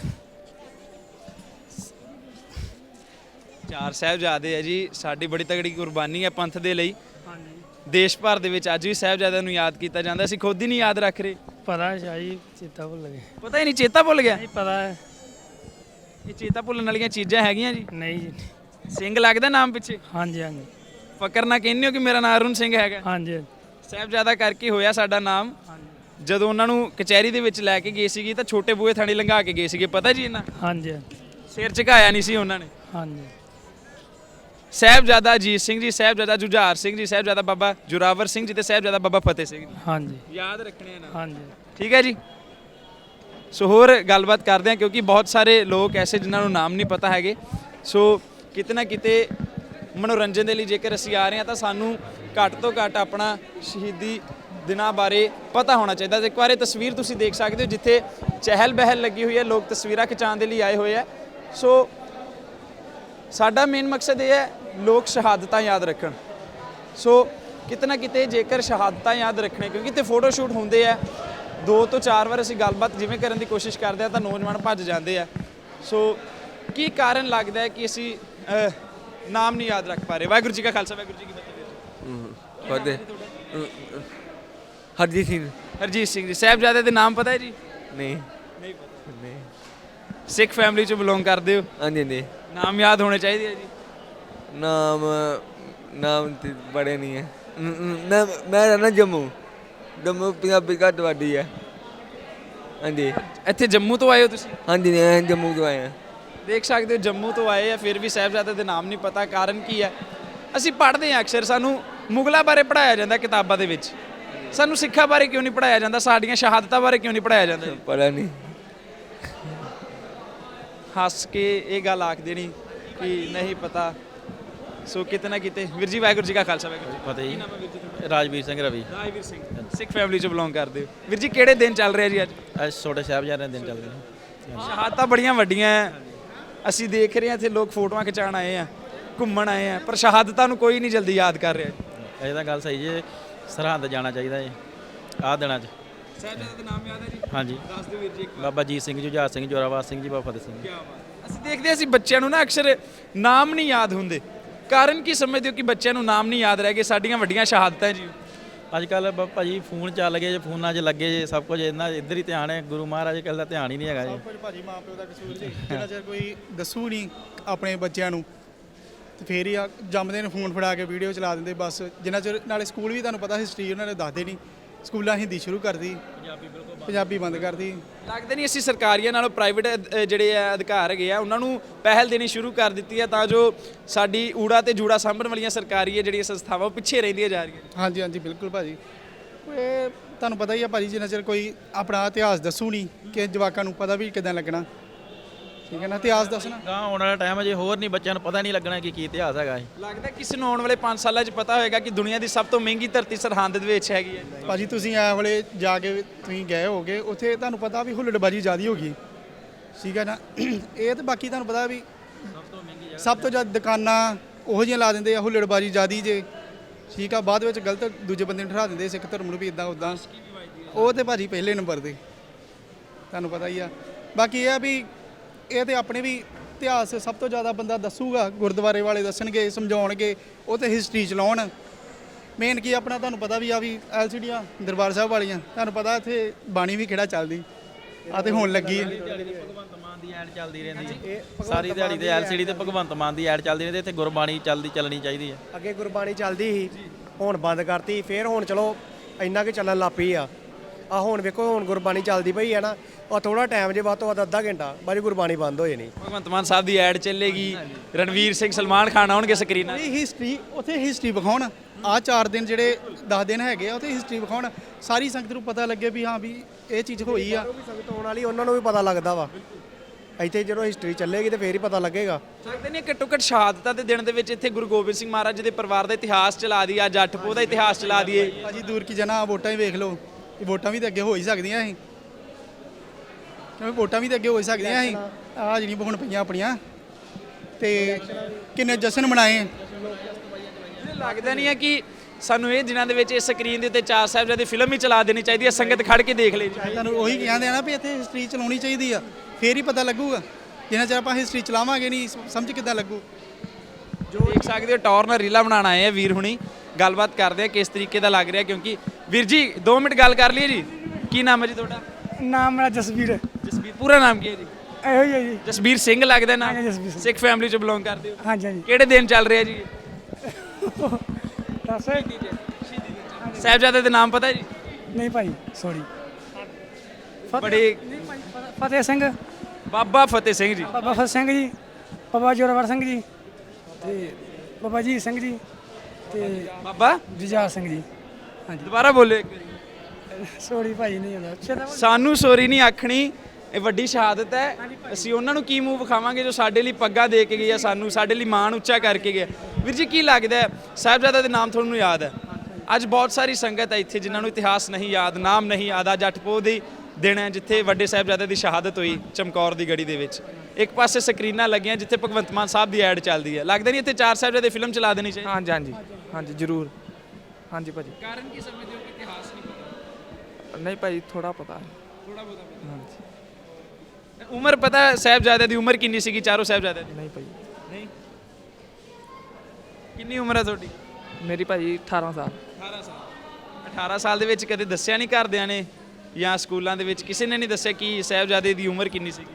ਚਾਰ ਸਾਹਿਬਜ਼ਾਦੇ ਆ ਜੀ। ਸਾਡੀ ਬੜੀ ਤਗੜੀ ਕੁਰਬਾਨੀ ਹੈ ਪੰਥ ਦੇ ਲਈ। ਹਾਂਜੀ। ਦੇਸ਼ ਭਰ ਦੇ ਵਿੱਚ ਅੱਜ ਵੀ ਸਾਹਿਬਜ਼ਾਦਿਆਂ ਨੂੰ ਯਾਦ ਕੀਤਾ ਜਾਂਦਾ। ਅਸੀਂ ਖੁਦ ਹੀ ਨਹੀਂ ਯਾਦ ਰੱਖ ਰਹੇ। ਪਤਾ ਹੈ ਸ਼ਾਹੀ ਚੇਤਾ ਭੁੱਲ ਗਏ। ਪਤਾ ਹੀ ਨਹੀਂ, ਚੇਤਾ ਭੁੱਲ ਗਿਆ। ਨਹੀਂ ਪਤਾ ਹੈ। ਇਹ ਚੇਤਾ ਭੁੱਲਣ ਵਾਲੀਆਂ ਚੀਜ਼ਾਂ ਹੈਗੀਆਂ ਜੀ। ਨਹੀਂ ਜੀ। ਸਿੰਘ ਲੱਗਦਾ ਨਾਮ ਪਿੱਛੇ? ਹਾਂਜੀ ਹਾਂਜੀ ਫਕਰ ਨਾ ਕਹਿੰਦੇ ਹੋ ਕਿ ਮੇਰਾ ਨਾਮ ਅਰੁਣ ਸਿੰਘ ਹੈਗਾ। ਹਾਂਜੀ ਸਾਹਿਬਜ਼ਾਦਾ ਕਰਕੇ ਹੋਇਆ ਸਾਡਾ ਨਾਮ। ਜਦੋਂ ਉਹਨਾਂ ਨੂੰ ਕਚਹਿਰੀ ਦੇ ਵਿੱਚ ਲੈ ਕੇ ਗਏ ਸੀਗੇ ਤਾਂ ਛੋਟੇ ਬੂਹੇ ਥਾਣੀ ਲੰਘਾ ਕੇ ਗਏ ਸੀਗੇ, ਪਤਾ ਜੀ ਇਹਨਾਂ? ਹਾਂਜੀ ਸਿਰ ਝੁਕਾਇਆ ਨਹੀਂ ਸੀ ਉਹਨਾਂ ਨੇ। ਹਾਂਜੀ। ਸਾਹਿਬਜ਼ਾਦਾ ਅਜੀਤ ਸਿੰਘ ਜੀ, ਸਾਹਿਬਜ਼ਾਦਾ ਜੁਝਾਰ ਸਿੰਘ ਜੀ, ਸਾਹਿਬਜ਼ਾਦਾ ਬਾਬਾ ਜੋਰਾਵਰ ਸਿੰਘ ਜੀ ਤੇ ਸਾਹਿਬਜ਼ਾਦਾ ਬਾਬਾ ਫਤਿਹ ਸਿੰਘ ਜੀ। ਹਾਂਜੀ ਯਾਦ ਰੱਖਣੇ ਆ ਨਾ। ਹਾਂਜੀ। ਠੀਕ ਹੈ ਜੀ। ਸੋ ਹੋਰ ਗੱਲਬਾਤ ਕਰਦੇ ਹਾਂ ਕਿਉਂਕਿ ਬਹੁਤ ਸਾਰੇ ਲੋਕ ਐਸੇ ਜਿਨ੍ਹਾਂ ਨੂੰ ਨਾਮ ਨਹੀਂ ਪਤਾ ਹੈਗੇ। ਸੋ ਕਿਤੇ ਨਾ ਕਿਤੇ ਮਨੋਰੰਜਨ ਦੇ ਲਈ ਜੇਕਰ ਅਸੀਂ ਆ ਰਹੇ ਹਾਂ ਤਾਂ ਸਾਨੂੰ ਘੱਟ ਤੋਂ ਘੱਟ ਆਪਣਾ ਸ਼ਹੀਦੀ ਦਿਨਾਂ ਬਾਰੇ ਪਤਾ ਹੋਣਾ ਚਾਹੀਦਾ। ਇੱਕ ਵਾਰ ਇਹ ਤਸਵੀਰ ਤੁਸੀਂ ਦੇਖ ਸਕਦੇ ਹੋ ਜਿੱਥੇ ਚਹਿਲ ਪਹਿਲ ਲੱਗੀ ਹੋਈ ਹੈ, ਲੋਕ ਤਸਵੀਰਾਂ ਖਿਚਾਉਣ ਦੇ ਲਈ ਆਏ ਹੋਏ ਆ। ਸੋ ਸਾਡਾ ਮੇਨ ਮਕਸਦ ਇਹ ਹੈ ਲੋਕ ਸ਼ਹਾਦਤਾਂ ਯਾਦ ਰੱਖਣ। ਸੋ ਕਿਤੇ ਨਾ ਕਿਤੇ ਜੇਕਰ ਸ਼ਹਾਦਤਾਂ ਯਾਦ ਰੱਖਣੇ, ਕਿਉਂਕਿ ਤੇ ਫੋਟੋ ਸ਼ੂਟ ਹੁੰਦੇ ਆ ਦੋ ਤੋਂ ਚਾਰ ਵਾਰ ਅਸੀਂ ਗੱਲਬਾਤ ਜਿਵੇਂ ਕਰਨ ਦੀ ਕੋਸ਼ਿਸ਼ ਕਰਦੇ ਆ ਤਾਂ ਨੌਜਵਾਨ ਭੱਜ ਜਾਂਦੇ ਆ। ਸੋ ਕੀ ਕਾਰਨ ਲੱਗਦਾ ਹੈ ਕਿ ਅਸੀਂ ਅਹ, ਨਾਮ ਨਹੀਂ ਯਾਦ ਰੱਖ ਪਾ ਰਹੇ? ਵਾਹਿਗੁਰੂ ਜੀ ਕਾ ਖਾਲਸਾ ਵਾਹਿਗੁਰੂ ਜੀ ਕੀ ਫਤਿਹ। ਫਤਿਹ। ਹਰਜੀਤ ਸਿੰਘ। ਹਰਜੀਤ ਸਿੰਘ ਜੀ। ਸਾਹਿਬਜ਼ਾਦੇ ਦੇ ਨਾਮ ਪਤਾ ਹੈ ਜੀ? ਨਹੀਂ ਨਹੀਂ ਪਤਾ। ਨਹੀਂ। ਸਿੱਖ ਫੈਮਿਲੀ ਚੋਂ ਬਿਲੋਂਗ ਕਰਦੇ ਹੋ? ਹਾਂਜੀ ਹਾਂਜੀ। ਨਾਮ ਯਾਦ ਹੋਣੇ ਚਾਹੀਦੇ ਆ ਜੀ। ਨਾਮ ਨਾਮ ਤੇ ਬੜੇ ਨਹੀਂ ਹੈ। ਨ- ਨ- ਮੈਂ ਮੈਂ ਰਹਿਣਾ ਜੰਮੂ। ਜੰਮੂ ਪੰਜਾਬੀ ਘੱਟ ਵੱਡੀ ਹੈ। ਹਾਂਜੀ ਇੱਥੇ ਜੰਮੂ ਤੋਂ ਆਏ ਹੋ ਤੁਸੀਂ? ਹਾਂਜੀ ਮੈਂ ਜੰਮੂ ਤੋਂ ਆਇਆ। ਦੇਖ ਸਕਦੇ ਹੋ ਜੰਮੂ ਤੋਂ ਆਏ ਆ ਫਿਰ ਵੀ ਸਾਹਿਬਜ਼ਾਦੇ ਦੇ ਨਾਮ ਨਹੀਂ ਪਤਾ। ਕਾਰਨ ਕੀ ਹੈ? ਅਸੀਂ ਪੜ੍ਹਦੇ ਹਾਂ ਅਕਸਰ, ਸਾਨੂੰ ਮੁਗਲਾਂ ਬਾਰੇ ਪੜ੍ਹਾਇਆ ਜਾਂਦਾ ਕਿਤਾਬਾਂ ਦੇ ਵਿੱਚ, ਸਾਨੂੰ ਸਿੱਖਾਂ ਬਾਰੇ ਕਿਉਂ ਨਹੀਂ ਪੜ੍ਹਾਇਆ ਜਾਂਦਾ? ਸਾਡੀਆਂ ਸ਼ਹਾਦਤਾਂ ਬਾਰੇ ਕਿਉਂ ਨਹੀਂ ਪੜ੍ਹਾਇਆ ਜਾਂਦਾ? ਪਤਾ ਨਹੀਂ। ਹੱਸ ਕੇ ਇਹ ਗੱਲ ਆਖ ਦੇਣੀ ਕਿ ਨਹੀਂ ਪਤਾ। ਸੋ ਕਿਤੇ ਨਾ ਕਿਤੇ ਵੀਰ ਜੀ ਵਾਹਿਗੁਰੂ ਜੀ ਕਾ ਖਾਲਸਾ ਵਾਹਿਗੁਰੂ ਜੀ ਕੀ ਫਤਿਹ ਜੀ। ਨਾਮ ਹੈ ਵੀਰ ਜੀ ਤੁਹਾਡਾ? ਰਾਜਵੀਰ ਸਿੰਘ ਰਵੀ। ਰਾਜਵੀਰ ਸਿੰਘ। ਸਿੱਖ ਫੈਮਿਲੀ ਚੋਂ ਬਿਲੋਂਗ ਕਰਦੇ ਹੋ ਵੀਰ ਜੀ। ਕਿਹੜੇ ਦਿਨ ਚੱਲ ਰਿਹਾ ਜੀ ਅੱਜ? ਅੱਜ ਛੋਟੇ ਸਾਹਿਬਜ਼ਾਦਿਆਂ ਦੇ ਦਿਨ ਚੱਲਦੇ ਨੇ। ਸ਼ਹਾਦਤਾਂ ਬੜੀਆਂ ਵੱਡੀਆਂ ਹੈ। ਅਸੀਂ ਦੇਖ ਰਹੇ ਹਾਂ ਇੱਥੇ ਲੋਕ ਫੋਟੋਆਂ ਖਿਚਾਉਣ ਆਏ ਆ, ਘੁੰਮਣ ਆਏ ਆ, ਪਰ ਸ਼ਹਾਦਤਾਂ ਨੂੰ ਕੋਈ ਨਹੀਂ ਜਲਦੀ ਯਾਦ ਕਰ ਰਿਹਾ। ਇਹ ਤਾਂ ਗੱਲ ਸਹੀ ਜੇ, ਸਰਹੰਦ ਜਾਣਾ ਚਾਹੀਦਾ ਜੀ ਆਹ ਦਿਨਾਂ 'ਚ। ਸਾਹਿਬਜ਼ਾਦੇ ਦਾ ਨਾਮ ਯਾਦ ਹੈ ਜੀ? ਹਾਂਜੀ ਦੱਸ ਦਿਓ ਵੀਰ ਜੀ ਇੱਕ ਵਾਰ। ਬਾਬਾ ਜੀਤ ਸਿੰਘ, ਜੁਝਾਰ ਸਿੰਘ, ਜੋਰਾਵਰ ਸਿੰਘ ਜੀ, ਬਾਬਾ ਫਤਿਹ ਸਿੰਘ। ਕਿਆ ਬਾਤ। ਅਸੀਂ ਦੇਖਦੇ ਹਾਂ ਅਸੀਂ ਬੱਚਿਆਂ ਨੂੰ ਨਾ ਅਕਸਰ ਨਾਮ ਨਹੀਂ ਯਾਦ ਹੁੰਦੇ, ਕਾਰਨ ਕੀ ਸਮਝਦੇ ਹੋ ਕਿ ਬੱਚਿਆਂ ਨੂੰ ਨਾਮ ਨਹੀਂ ਯਾਦ ਰਹਿ ਗਏ? ਸਾਡੀਆਂ ਵੱਡੀਆਂ ਸ਼ਹਾਦਤਾਂ ਜੀ। ਅੱਜ ਕੱਲ੍ਹ ਭਾਜੀ ਫੋਨ ਚੱਲ ਗਏ ਜੇ, ਫੋਨਾਂ 'ਚ ਲੱਗੇ ਜੇ ਸਭ ਕੁਝ, ਇਹਨਾਂ ਇੱਧਰ ਹੀ ਧਿਆਨ ਹੈ। ਗੁਰੂ ਮਹਾਰਾਜ ਕੱਲ ਦਾ ਧਿਆਨ ਹੀ ਨਹੀਂ ਹੈਗਾ ਜੀ। ਸਭ ਕੁਝ ਭਾਜੀ ਮਾਂ ਪਿਓ ਦਾ ਕਸੂਰ ਜੀ। ਜਿੰਨਾ ਚਿਰ ਕੋਈ ਦੱਸੂ ਨਹੀਂ ਆਪਣੇ ਬੱਚਿਆਂ ਨੂੰ ਤੇ ਫੇਰ ਹੀ ਆ ਜੰਮਦੇ ਨੂੰ ਫੋਨ ਫੜਾ ਕੇ ਵੀਡੀਓ ਚਲਾ ਦਿੰਦੇ ਬਸ। ਜਿੰਨਾ ਚਿਰ ਨਾਲੇ ਸਕੂਲ ਵੀ ਤੁਹਾਨੂੰ ਪਤਾ ਹਿਸਟਰੀ ਉਹਨਾਂ ਨੇ ਦੱਸਦੇ ਨਹੀਂ। ਸਕੂਲਾਂ ਹਿੰਦੀ ਸ਼ੁਰੂ ਕਰਦੀ, ਪੰਜਾਬੀ ਬੰਦ ਕਰਦੀ। ਲੱਗਦਾ ਨਹੀਂ ਅਸੀਂ ਸਰਕਾਰੀਆਂ ਨਾਲੋਂ ਪ੍ਰਾਈਵੇਟ ਜਿਹੜੇ ਆ ਅਧਿਕਾਰ ਹੈਗੇ ਆ ਉਹਨਾਂ ਨੂੰ ਪਹਿਲ ਦੇਣੀ ਸ਼ੁਰੂ ਕਰ ਦਿੱਤੀ ਹੈ, ਤਾਂ ਜੋ ਸਾਡੀ ਊੜਾ ਤੇ ਜੂੜਾ ਸਾਂਭਣ ਵਾਲੀਆਂ ਸਰਕਾਰੀ ਹੈ ਜਿਹੜੀਆਂ ਸੰਸਥਾਵਾਂ ਉਹ ਪਿੱਛੇ ਰਹਿੰਦੀਆਂ ਜਾ ਰਹੀਆਂ। ਹਾਂਜੀ ਹਾਂਜੀ ਬਿਲਕੁਲ ਭਾਜੀ। ਇਹ ਤੁਹਾਨੂੰ ਪਤਾ ਹੀ ਆ ਭਾਜੀ, ਜਿੰਨਾ ਚਿਰ ਕੋਈ ਆਪਣਾ ਇਤਿਹਾਸ ਦੱਸੂ ਨਹੀਂ ਕਿ ਜਵਾਕਾਂ ਨੂੰ ਪਤਾ ਵੀ ਕਿੱਦਾਂ ਲੱਗਣਾ। ਠੀਕ ਹੈ ਨਾ, ਇਤਿਹਾਸ ਦੱਸਣਾ ਗਾਂ ਆਉਣ ਵਾਲਾ ਟਾਈਮ ਹੈ ਜੇ ਹੋਰ ਨਹੀਂ, ਬੱਚਿਆਂ ਨੂੰ ਪਤਾ ਨਹੀਂ ਲੱਗਣਾ ਕਿ ਕੀ ਇਤਿਹਾਸ ਹੈਗਾ ਇਹ। ਲੱਗਦਾ ਕਿਸੇ ਨੂੰ ਆਉਣ ਵਾਲੇ ਪੰਜ ਸਾਲਾਂ 'ਚ ਪਤਾ ਹੋਏਗਾ ਕਿ ਦੁਨੀਆ ਦੀ ਸਭ ਤੋਂ ਮਹਿੰਗੀ ਧਰਤੀ ਸਰਹੰਦ ਦੇ ਵਿੱਚ ਹੈਗੀ ਹੈ। ਭਾਜੀ। ਤੁਸੀਂ ਐ ਵੇਲੇ ਜਾ ਕੇ ਤੁਸੀਂ ਗਏ ਹੋਗੇ ਉੱਥੇ, ਤੁਹਾਨੂੰ ਪਤਾ ਵੀ ਹੁੱਲੜਬਾਜੀ ਜ਼ਿਆਦਾ ਹੋ ਗਈ। ਠੀਕ ਹੈ ਨਾ, ਇਹ ਤੇ ਬਾਕੀ ਤੁਹਾਨੂੰ ਪਤਾ ਵੀ ਸਭ ਤੋਂ ਜ਼ਿਆਦਾ ਦੁਕਾਨਾਂ ਉਹੋ ਜਿਹੀਆਂ ਲਾ ਦਿੰਦੇ ਆ, ਹੁੱਲੜਬਾਜੀ ਜ਼ਿਆਦੀ ਜੇ। ਠੀਕ ਆ, ਬਾਅਦ ਵਿੱਚ ਗਲਤ ਦੂਜੇ ਬੰਦੇ ਨੂੰ ਠਹਿਰਾ ਦਿੰਦੇ ਸਿੱਖ ਧਰਮ ਨੂੰ ਵੀ ਇਦਾਂ ਉੱਦਾਂ। ਉਹ ਤੇ ਭਾਜੀ ਪਹਿਲੇ ਨੰਬਰ ਤੇ ਤੁਹਾਨੂੰ ਪਤਾ ਹੀ ਆ। ਬਾਕੀ ਇਹ ਆ ਵੀ ਇਹ ਤੇ ਆਪਣੇ ਵੀ ਇਤਿਹਾਸ ਸਭ ਤੋਂ ਜ਼ਿਆਦਾ ਬੰਦਾ ਦੱਸੂਗਾ, ਗੁਰਦੁਆਰੇ ਵਾਲੇ ਦੱਸਣਗੇ, ਸਮਝਾਉਣਗੇ, ਉਹ ਤੇ ਹਿਸਟਰੀ ਚਲਾਉਣ। ਮੇਨ ਕੀ ਆਪਣਾ ਤੁਹਾਨੂੰ ਪਤਾ ਵੀ ਆ ਵੀ ਐਲ ਸੀ ਡੀਆਂ ਦਰਬਾਰ ਸਾਹਿਬ ਵਾਲੀਆਂ, ਤੁਹਾਨੂੰ ਪਤਾ ਇੱਥੇ ਬਾਣੀ ਵੀ ਕਿਹੜਾ ਚੱਲਦੀ ਆ ਤੇ ਹੋਣ ਲੱਗੀ ਹੈ। ਭਗਵੰਤ ਮਾਨ ਦੀ ਐਡ ਚੱਲਦੀ ਰਹਿੰਦੀ ਹੈ ਸਾਰੀ ਦਿਹਾੜੀ ਤੇ, ਐਲ ਸੀ ਡੀ ਤੇ ਭਗਵੰਤ ਮਾਨ ਦੀ ਐਡ ਚੱਲਦੀ ਰਹਿੰਦੀ। ਇੱਥੇ ਗੁਰਬਾਣੀ ਚੱਲਦੀ ਚੱਲਣੀ ਚਾਹੀਦੀ ਹੈ। ਅੱਗੇ ਗੁਰਬਾਣੀ ਚੱਲਦੀ ਸੀ, ਹੁਣ ਬੰਦ ਕਰਤੀ। ਫੇਰ ਹੁਣ ਚਲੋ ਇੰਨਾ ਕਿ ਚੱਲਣ ਲੱਗ ਪਈ ਆ। ਆ ਹੁਣ ਵੇਖੋ ਹੁਣ ਗੁਰਬਾਣੀ ਚੱਲਦੀ ਪਈ ਹੈ ਨਾ, ਉਹ ਥੋੜਾ ਟਾਈਮ ਜੇ ਵੱਧ ਤੋਂ ਵੱਧ ਅੱਧਾ ਘੰਟਾ ਬਾਅਦ ਗੁਰਬਾਣੀ ਬੰਦ ਹੋ ਜਾਣੀ। ਭਗਵੰਤ ਮਾਨ ਸਾਹਿਬ ਦੀ ਐਡ ਚੱਲੇਗੀ, ਰਣਵੀਰ ਸਿੰਘ, ਸਲਮਾਨ ਖਾਨ ਆਉਣਗੇ ਸਕਰੀਨਾਂ। ਇਹ ਹਿਸਟਰੀ ਉੱਥੇ ਹਿਸਟਰੀ ਵਿਖਾਉਣ। ਆ ਚਾਰ ਦਿਨ ਜਿਹੜੇ ਦਸ ਦਿਨ ਹੈਗੇ ਆ ਉੱਥੇ ਹਿਸਟਰੀ ਵਿਖਾਉਣ, ਸਾਰੀ ਸੰਗਤ ਨੂੰ ਪਤਾ ਲੱਗੇ ਵੀ ਹਾਂ ਵੀ ਇਹ ਚੀਜ਼ ਹੋਈ ਆ। ਸੰਗਤ ਆਉਣ ਵਾਲੀ ਉਹਨਾਂ ਨੂੰ ਵੀ ਪਤਾ ਲੱਗਦਾ ਵਾ। ਇੱਥੇ ਜਦੋਂ ਹਿਸਟਰੀ ਚੱਲੇਗੀ ਤੇ ਫੇਰ ਹੀ ਪਤਾ ਲੱਗੇਗਾ। ਸਕਦੇ ਨਹੀਂ ਘੱਟੋ ਘੱਟ ਸ਼ਹਾਦਤਾਂ ਦੇ ਦਿਨ ਦੇ ਵਿੱਚ ਇੱਥੇ ਗੁਰੂ ਗੋਬਿੰਦ ਸਿੰਘ ਮਹਾਰਾਜ ਦੇ ਪਰਿਵਾਰ ਦਾ ਇਤਿਹਾਸ ਚਲਾ ਦਈਏ, ਜੱਟ ਪੋਹ ਦਾ ਇਤਿਹਾਸ ਚਲਾ ਦਈਏ। ਭਾਜੀ ਦੂਰ ਕੀ ਜਾਣਾ, ਵੋਟਾਂ ਹੀ ਵੇਖ ਲਓ। ਇਹ ਵੋਟਾਂ ਵੀ ਤਾਂ ਅੱਗੇ ਹੋ ਹੀ ਸਕਦੀਆਂ ਸੀ, ਕਿਉਂਕਿ ਵੋਟਾਂ ਵੀ ਤਾਂ ਅੱਗੇ ਹੋ ਹੀ ਸਕਦੀਆਂ ਸੀ। ਆਹ ਜਿਹੜੀਆਂ ਹੁਣ ਪਈਆਂ ਆਪਣੀਆਂ, ਤੇ ਕਿੰਨੇ ਜਸ਼ਨ ਮਨਾਏ। ਲੱਗਦਾ ਨਹੀਂ ਹੈ ਕਿ ਸਾਨੂੰ ਇਹ ਦਿਨਾਂ ਦੇ ਵਿੱਚ ਇਸ ਸਕਰੀਨ ਦੇ ਉੱਤੇ ਚਾਰ ਸਾਹਿਬਜ਼ਾਦੇ ਫਿਲਮ ਹੀ ਚਲਾ ਦੇਣੀ ਚਾਹੀਦੀ ਹੈ, ਸੰਗਤ ਖੜ ਕੇ ਦੇਖ ਲੇ। ਤੁਹਾਨੂੰ ਉਹੀ ਕਹਿੰਦੇ ਆ ਨਾ ਵੀ ਇੱਥੇ ਹਿਸਟਰੀ ਚਲਾਉਣੀ ਚਾਹੀਦੀ ਆ, ਫੇਰ ਹੀ ਪਤਾ ਲੱਗੂਗਾ। ਜਿੰਨਾ ਚਿਰ ਆਪਾਂ ਹਿਸਟਰੀ ਚਲਾਵਾਂਗੇ ਨਹੀਂ, ਸਮਝ ਕਿੱਦਾਂ ਲੱਗੂ। ਜੋ ਦੇਖ ਸਕਦੇ ਹੋ ਟੌਰ ਨਾਲ ਰੀਲਾ ਬਣਾਉਣ ਆਏ ਆ ਵੀਰ ਹੁਣੀ, ਗੱਲਬਾਤ ਕਰਦੇ ਆ ਕਿਸ ਤਰੀਕੇ ਦਾ ਲੱਗ ਰਿਹਾ। ਕਿਉਂਕਿ ਵੀਰ ਜੀ ਦੋ ਮਿੰਟ ਗੱਲ ਕਰ ਲਈਏ ਜੀ। ਕੀ ਨਾਮ ਹੈ ਜੀ ਤੁਹਾਡਾ? ਨਾਮ ਮੇਰਾ ਜਸਵੀਰ ਹੈ। ਜਸਬੀਰ। ਪੂਰਾ ਨਾਮ ਕੀ ਹੈ ਜੀ? ਇਹੋ ਹੀ ਹੈ ਜੀ। ਜਸਬੀਰ ਸਿੰਘ ਲੱਗਦਾ ਨਾ? ਹਾਂਜੀ, ਜਸਬੀਰ ਸਿੰਘ। ਸਿੱਖ ਫੈਮਿਲੀ ਚ ਬਿਲੋਂਗ ਕਰਦੇ ਹੋ? ਹਾਂਜੀ ਹਾਂਜੀ। ਕਿਹੜੇ ਦਿਨ ਚੱਲ ਰਿਹਾ ਜੀ? ਦੱਸ। ਸਾਹਿਬਜ਼ਾਦੇ ਦੇ ਨਾਮ ਪਤਾ ਜੀ? ਨਹੀਂ ਭਾਈ ਸੌਰੀ। ਬੜੇ ਫਤਿਹ ਸਿੰਘ, ਬਾਬਾ ਫਤਿਹ ਸਿੰਘ ਜੀ, ਬਾਬਾ ਫਤਿਹ ਸਿੰਘ ਜੀ, ਬਾਬਾ ਜੋਰਾਵਰ ਸਿੰਘ ਜੀ, ਤੇ ਬਾਬਾ ਜੀਤ ਸਿੰਘ ਜੀ, ਤੇ ਬਾਬਾ ਜੁਝਾਰ ਸਿੰਘ ਜੀ। ਹਾਂਜੀ ਦੁਬਾਰਾ ਬੋਲੇ ਇੱਕ ਵਾਰੀ। ਸੌਰੀ ਭਾਈ ਨਹੀਂ ਹੁੰਦਾ। ਸਾਨੂੰ ਸੋਰੀ ਨਹੀਂ ਆਖਣੀ, ਇਹ ਵੱਡੀ ਸ਼ਹਾਦਤ ਹੈ। ਅਸੀਂ ਉਹਨਾਂ ਨੂੰ ਕੀ ਮੂੰਹ ਵਿਖਾਵਾਂਗੇ ਜੋ ਸਾਡੇ ਲਈ ਪੱਗਾਂ ਦੇ ਕੇ ਗਏ ਆ, ਸਾਨੂੰ ਸਾਡੇ ਲਈ ਮਾਣ ਉੱਚਾ ਕਰਕੇ ਗਏ। ਵੀਰ ਜੀ ਕੀ ਲੱਗਦਾ ਹੈ ਸਾਹਿਬਜ਼ਾਦਾ ਦੇ ਨਾਮ ਤੁਹਾਨੂੰ ਯਾਦ ਹੈ? ਅੱਜ ਬਹੁਤ ਸਾਰੀ ਸੰਗਤ ਹੈ ਇੱਥੇ ਜਿਨ੍ਹਾਂ ਨੂੰ ਇਤਿਹਾਸ ਨਹੀਂ ਯਾਦ, ਨਾਮ ਨਹੀਂ ਯਾਦ। ਆ ਜੱਟ ਪੋਹ ਦੀ ਦਿਨ ਹੈ ਜਿੱਥੇ ਵੱਡੇ ਸਾਹਿਬਜ਼ਾਦੇ ਦੀ ਸ਼ਹਾਦਤ ਹੋਈ ਚਮਕੌਰ ਦੀ ਗੜੀ ਦੇ ਵਿੱਚ। ਇੱਕ ਪਾਸੇ ਸਕਰੀਨਾਂ ਲੱਗੀਆਂ ਜਿੱਥੇ ਭਗਵੰਤ ਮਾਨ ਸਾਹਿਬ ਦੀ ਐਡ ਚੱਲਦੀ ਹੈ। ਲੱਗਦਾ ਨਹੀਂ ਇੱਥੇ ਚਾਰ ਸਾਹਿਬਜ਼ਾਦੇ ਫਿਲਮ ਚਲਾ ਦੇਣੀ ਚਾਹੀਦੀ? ਹਾਂਜੀ ਹਾਂਜੀ ਹਾਂਜੀ ਜ਼ਰੂਰ। ਹਾਂਜੀ ਭਾਜੀ। ਕਾਰਨ ਕੀ ਸਮਝਦੇ ਹੋ ਕਿ ਇਤਿਹਾਸ ਨਹੀਂ ਪਤਾ? ਨਹੀਂ ਭਾਜੀ ਥੋੜਾ ਪਤਾ ਹੈ। ਥੋੜਾ ਬਹੁਤਾ ਪਤਾ। ਹਾਂਜੀ। ਉਮਰ ਪਤਾ ਸਾਹਿਬਜ਼ਾਦੇ ਦੀ ਉਮਰ ਕਿੰਨੀ ਸੀਗੀ ਚਾਰੋਂ ਸਾਹਿਬਜ਼ਾਦਿਆਂ ਦੀ? ਨਹੀਂ ਭਾਜੀ। ਨਹੀਂ। ਕਿੰਨੀ ਉਮਰ ਹੈ ਤੁਹਾਡੀ? ਮੇਰੀ ਭਾਜੀ ਅਠਾਰਾਂ ਸਾਲ। ਅਠਾਰਾਂ ਸਾਲ। ਅਠਾਰਾਂ ਸਾਲ ਦੇ ਵਿੱਚ ਕਦੇ ਦੱਸਿਆ ਨਹੀਂ ਘਰਦਿਆਂ ਨੇ ਜਾਂ ਸਕੂਲਾਂ ਦੇ ਵਿੱਚ ਕਿਸੇ ਨੇ ਨਹੀਂ ਦੱਸਿਆ ਕਿ ਸਾਹਿਬਜ਼ਾਦੇ ਦੀ ਉਮਰ ਕਿੰਨੀ ਸੀਗੀ?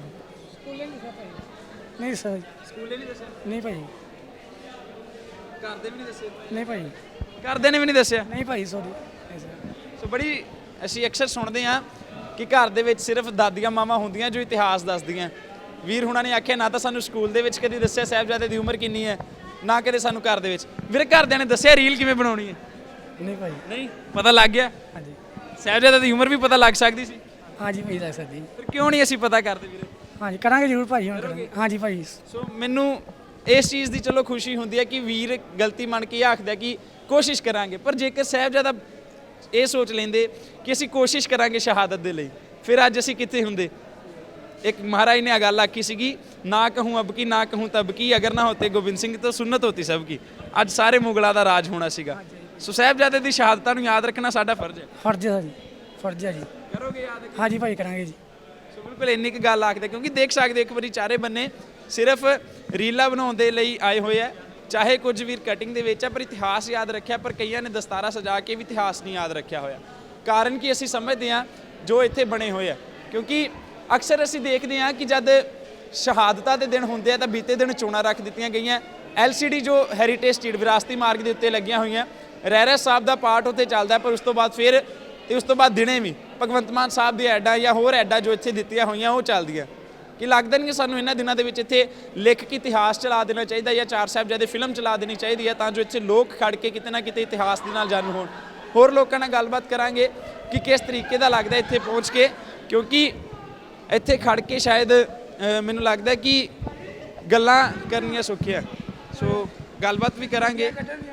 ਨਹੀਂ ਸਰ। ਸਕੂਲੇ ਨਹੀਂ ਦੱਸਿਆ? ਨਹੀਂ ਭਾਈ। ਘਰਦੇ ਵੀ ਨਹੀਂ ਦੱਸੇ? ਨਹੀਂ ਭਾਈ। ਘਰਦਿਆਂ ਨੇ ਵੀ ਨਹੀਂ ਦੱਸਿਆ? ਨਹੀਂ ਭਾਈ ਸੌਰੀ। ਸੋ ਬੜੀ ਅਸੀਂ ਅਕਸਰ ਸੁਣਦੇ ਹਾਂ ਕਿ ਘਰ ਦੇ ਵਿੱਚ ਸਿਰਫ ਦਾਦੀਆਂ ਮਾਵਾਂ ਹੁੰਦੀਆਂ ਜੋ ਇਤਿਹਾਸ ਦੱਸਦੀਆਂ। ਵੀਰ ਹੁਣਾਂ ਨੇ ਆਖਿਆ ਨਾ ਤਾਂ ਸਾਨੂੰ ਸਕੂਲ ਦੇ ਵਿੱਚ ਕਦੀ ਦੱਸਿਆ ਸਾਹਿਬਜ਼ਾਦੇ ਦੀ ਉਮਰ ਕਿੰਨੀ ਹੈ, ਨਾ ਕਦੇ ਸਾਨੂੰ ਘਰ ਦੇ ਵਿੱਚ। ਵੀਰੇ ਘਰਦਿਆਂ ਨੇ ਦੱਸਿਆ ਰੀਲ ਕਿਵੇਂ ਬਣਾਉਣੀ ਹੈ? ਨਹੀਂ ਭਾਈ। ਨਹੀਂ ਪਤਾ ਲੱਗ ਗਿਆ? ਹਾਂਜੀ ਸਾਹਿਬਜ਼ਾਦੇ ਦੀ ਉਮਰ ਵੀ ਪਤਾ ਲੱਗ ਸਕਦੀ ਸੀ, ਹਾਂਜੀ ਭਾਈ ਲੱਗ ਸਕਦੀ। ਫਿਰ ਕਿਉਂ ਨਹੀਂ ਅਸੀਂ ਪਤਾ ਕਰਦੇ ਵੀਰੇ? ਹਾਂਜੀ ਕਰਾਂਗੇ ਜ਼ਰੂਰ ਭਾਈ, ਹੁਣ ਕਰਾਂਗੇ। ਹਾਂਜੀ ਭਾਈ। ਸੋ ਮੈਨੂੰ ਇਸ ਚੀਜ਼ ਦੀ ਚਲੋ ਖੁਸ਼ੀ ਹੁੰਦੀ ਹੈ ਕਿ ਵੀਰ ਗਲਤੀ ਮੰਨ ਕੇ ਆਖਦਾ ਕਿ ਕੋਸ਼ਿਸ਼ ਕਰਾਂਗੇ। ਪਰ ਜੇਕਰ ਸਾਹਿਬਜ਼ਾਦਾ ਇਹ ਸੋਚ ਲੈਂਦੇ ਕਿ ਅਸੀਂ ਕੋਸ਼ਿਸ਼ ਕਰਾਂਗੇ ਸ਼ਹਾਦਤ ਦੇ ਲਈ, ਫਿਰ ਅੱਜ ਅਸੀਂ ਕਿੱਥੇ ਹੁੰਦੇ? ਇੱਕ ਮਹਾਰਾਜ ਨੇ ਆ ਗੱਲ ਆਖੀ ਸੀਗੀ, ਨਾ ਕਹੂੰ ਅਬ ਕੀ ਨਾ ਕਹੂੰ ਤਬ ਕੀ, ਅਗਰ ਨਾ ਹੋਤੇ ਗੋਬਿੰਦ ਸਿੰਘ ਤਾਂ ਸੁਨਤ ਹੋਤੀ ਸਭ ਕੀ। ਅੱਜ ਸਾਰੇ ਮੁਗਲਾਂ ਦਾ ਰਾਜ ਹੋਣਾ ਸੀਗਾ। ਸੋ ਸਾਹਿਬਜ਼ਾਦੇ ਦੀ ਸ਼ਹਾਦਤਾਂ ਨੂੰ ਯਾਦ ਰੱਖਣਾ ਸਾਡਾ ਫਰਜ਼ ਹੈ। ਫਰਜ਼ ਹੈ ਜੀ। ਫਰਜ਼ ਹੈ ਜੀ। ਕਰੋਗੇ ਯਾਦ? ਹਾਂਜੀ ਭਾਈ ਕਰਾਂਗੇ ਜੀ। ਸੋ ਬਿਲਕੁਲ ਇੰਨੀ ਕੁ ਗੱਲ ਆਖਦੇ, ਕਿਉਂਕਿ ਦੇਖ ਸਕਦੇ ਹੋ ਇੱਕ ਵਾਰੀ ਚਾਰੇ ਬੰਨੇ ਸਿਰਫ ਰੀਲਾਂ ਬਣਾਉਣ ਦੇ ਲਈ ਆਏ ਹੋਏ ਆ। ਚਾਹੇ ਕੁਝ ਵੀਰ ਕਟਿੰਗ ਦੇ ਵਿੱਚ ਆ, ਪਰ ਇਤਿਹਾਸ ਯਾਦ ਰੱਖਿਆ, ਪਰ ਕਈਆਂ ਨੇ ਦਸਤਾਰਾ ਸਜਾ ਕੇ ਵੀ ਇਤਿਹਾਸ ਨਹੀਂ ਯਾਦ ਰੱਖਿਆ ਹੋਇਆ। ਕਾਰਨ ਕਿ ਅਸੀਂ ਸਮਝਦੇ ਹਾਂ ਜੋ ਇੱਥੇ ਬਣੇ ਹੋਏ ਆ, ਕਿਉਂਕਿ ਅਕਸਰ ਅਸੀਂ ਦੇਖਦੇ ਹਾਂ ਕਿ ਜਦ ਸ਼ਹਾਦਤਾਂ ਦੇ ਦਿਨ ਹੁੰਦੇ ਆ ਤਾਂ ਬੀਤੇ ਦਿਨ ਚੋਣਾਂ ਰੱਖ ਦਿੱਤੀਆਂ ਗਈਆਂ। ਐਲ ਸੀ ਡੀ ਜੋ ਹੈਰੀਟੇਜ ਸਟਰੀਟ ਵਿਰਾਸਤੀ ਮਾਰਗ ਦੇ ਉੱਤੇ ਲੱਗੀਆਂ ਹੋਈਆਂ, ਰਹਿਰਾਸ ਸਾਹਿਬ ਦਾ ਪਾਠ ਉੱਥੇ ਚੱਲਦਾ, ਪਰ ਉਸ ਤੋਂ ਬਾਅਦ ਫਿਰ ਤੇ ਉਸ ਤੋਂ ਬਾਅਦ ਦਿਨੇ ਵੀ ਭਗਵੰਤ ਮਾਨ ਸਾਹਿਬ ਦੀ ਐਡਾਂ ਜਾਂ ਹੋਰ ਐਡਾਂ ਜੋ ਇੱਥੇ ਦਿੱਤੀਆਂ ਹੋਈਆਂ ਉਹ ਚੱਲਦੀਆਂ। ਕਿ ਲੱਗਦਾ ਨਹੀਂ ਕਿ ਸਾਨੂੰ ਇਹਨਾਂ ਦਿਨਾਂ ਦੇ ਵਿੱਚ ਇੱਥੇ ਲਿਖ ਕੇ ਇਤਿਹਾਸ ਚਲਾ ਦੇਣਾ ਚਾਹੀਦਾ ਜਾਂ ਚਾਰ ਸਾਹਿਬਜ਼ਾਦੇ ਫਿਲਮ ਚਲਾ ਦੇਣੀ ਚਾਹੀਦੀ ਹੈ, ਤਾਂ ਜੋ ਇੱਥੇ ਲੋਕ ਖੜ ਕੇ ਕਿਤੇ ਨਾ ਕਿਤੇ ਇਤਿਹਾਸ ਦੇ ਨਾਲ ਜਾਣੂ ਹੋਣ। ਹੋਰ ਲੋਕਾਂ ਨਾਲ ਗੱਲਬਾਤ ਕਰਾਂਗੇ ਕਿ ਕਿਸ ਤਰੀਕੇ ਦਾ ਲੱਗਦਾ ਇੱਥੇ ਪਹੁੰਚ ਕੇ, ਕਿਉਂਕਿ ਇੱਥੇ ਖੜ ਕੇ ਸ਼ਾਇਦ ਅ, ਮੈਨੂੰ ਲੱਗਦਾ ਕਿ ਗੱਲਾਂ ਕਰਨੀਆਂ ਸੌਖੀਆਂ। ਸੋ ਗੱਲਬਾਤ ਵੀ ਕਰਾਂਗੇ।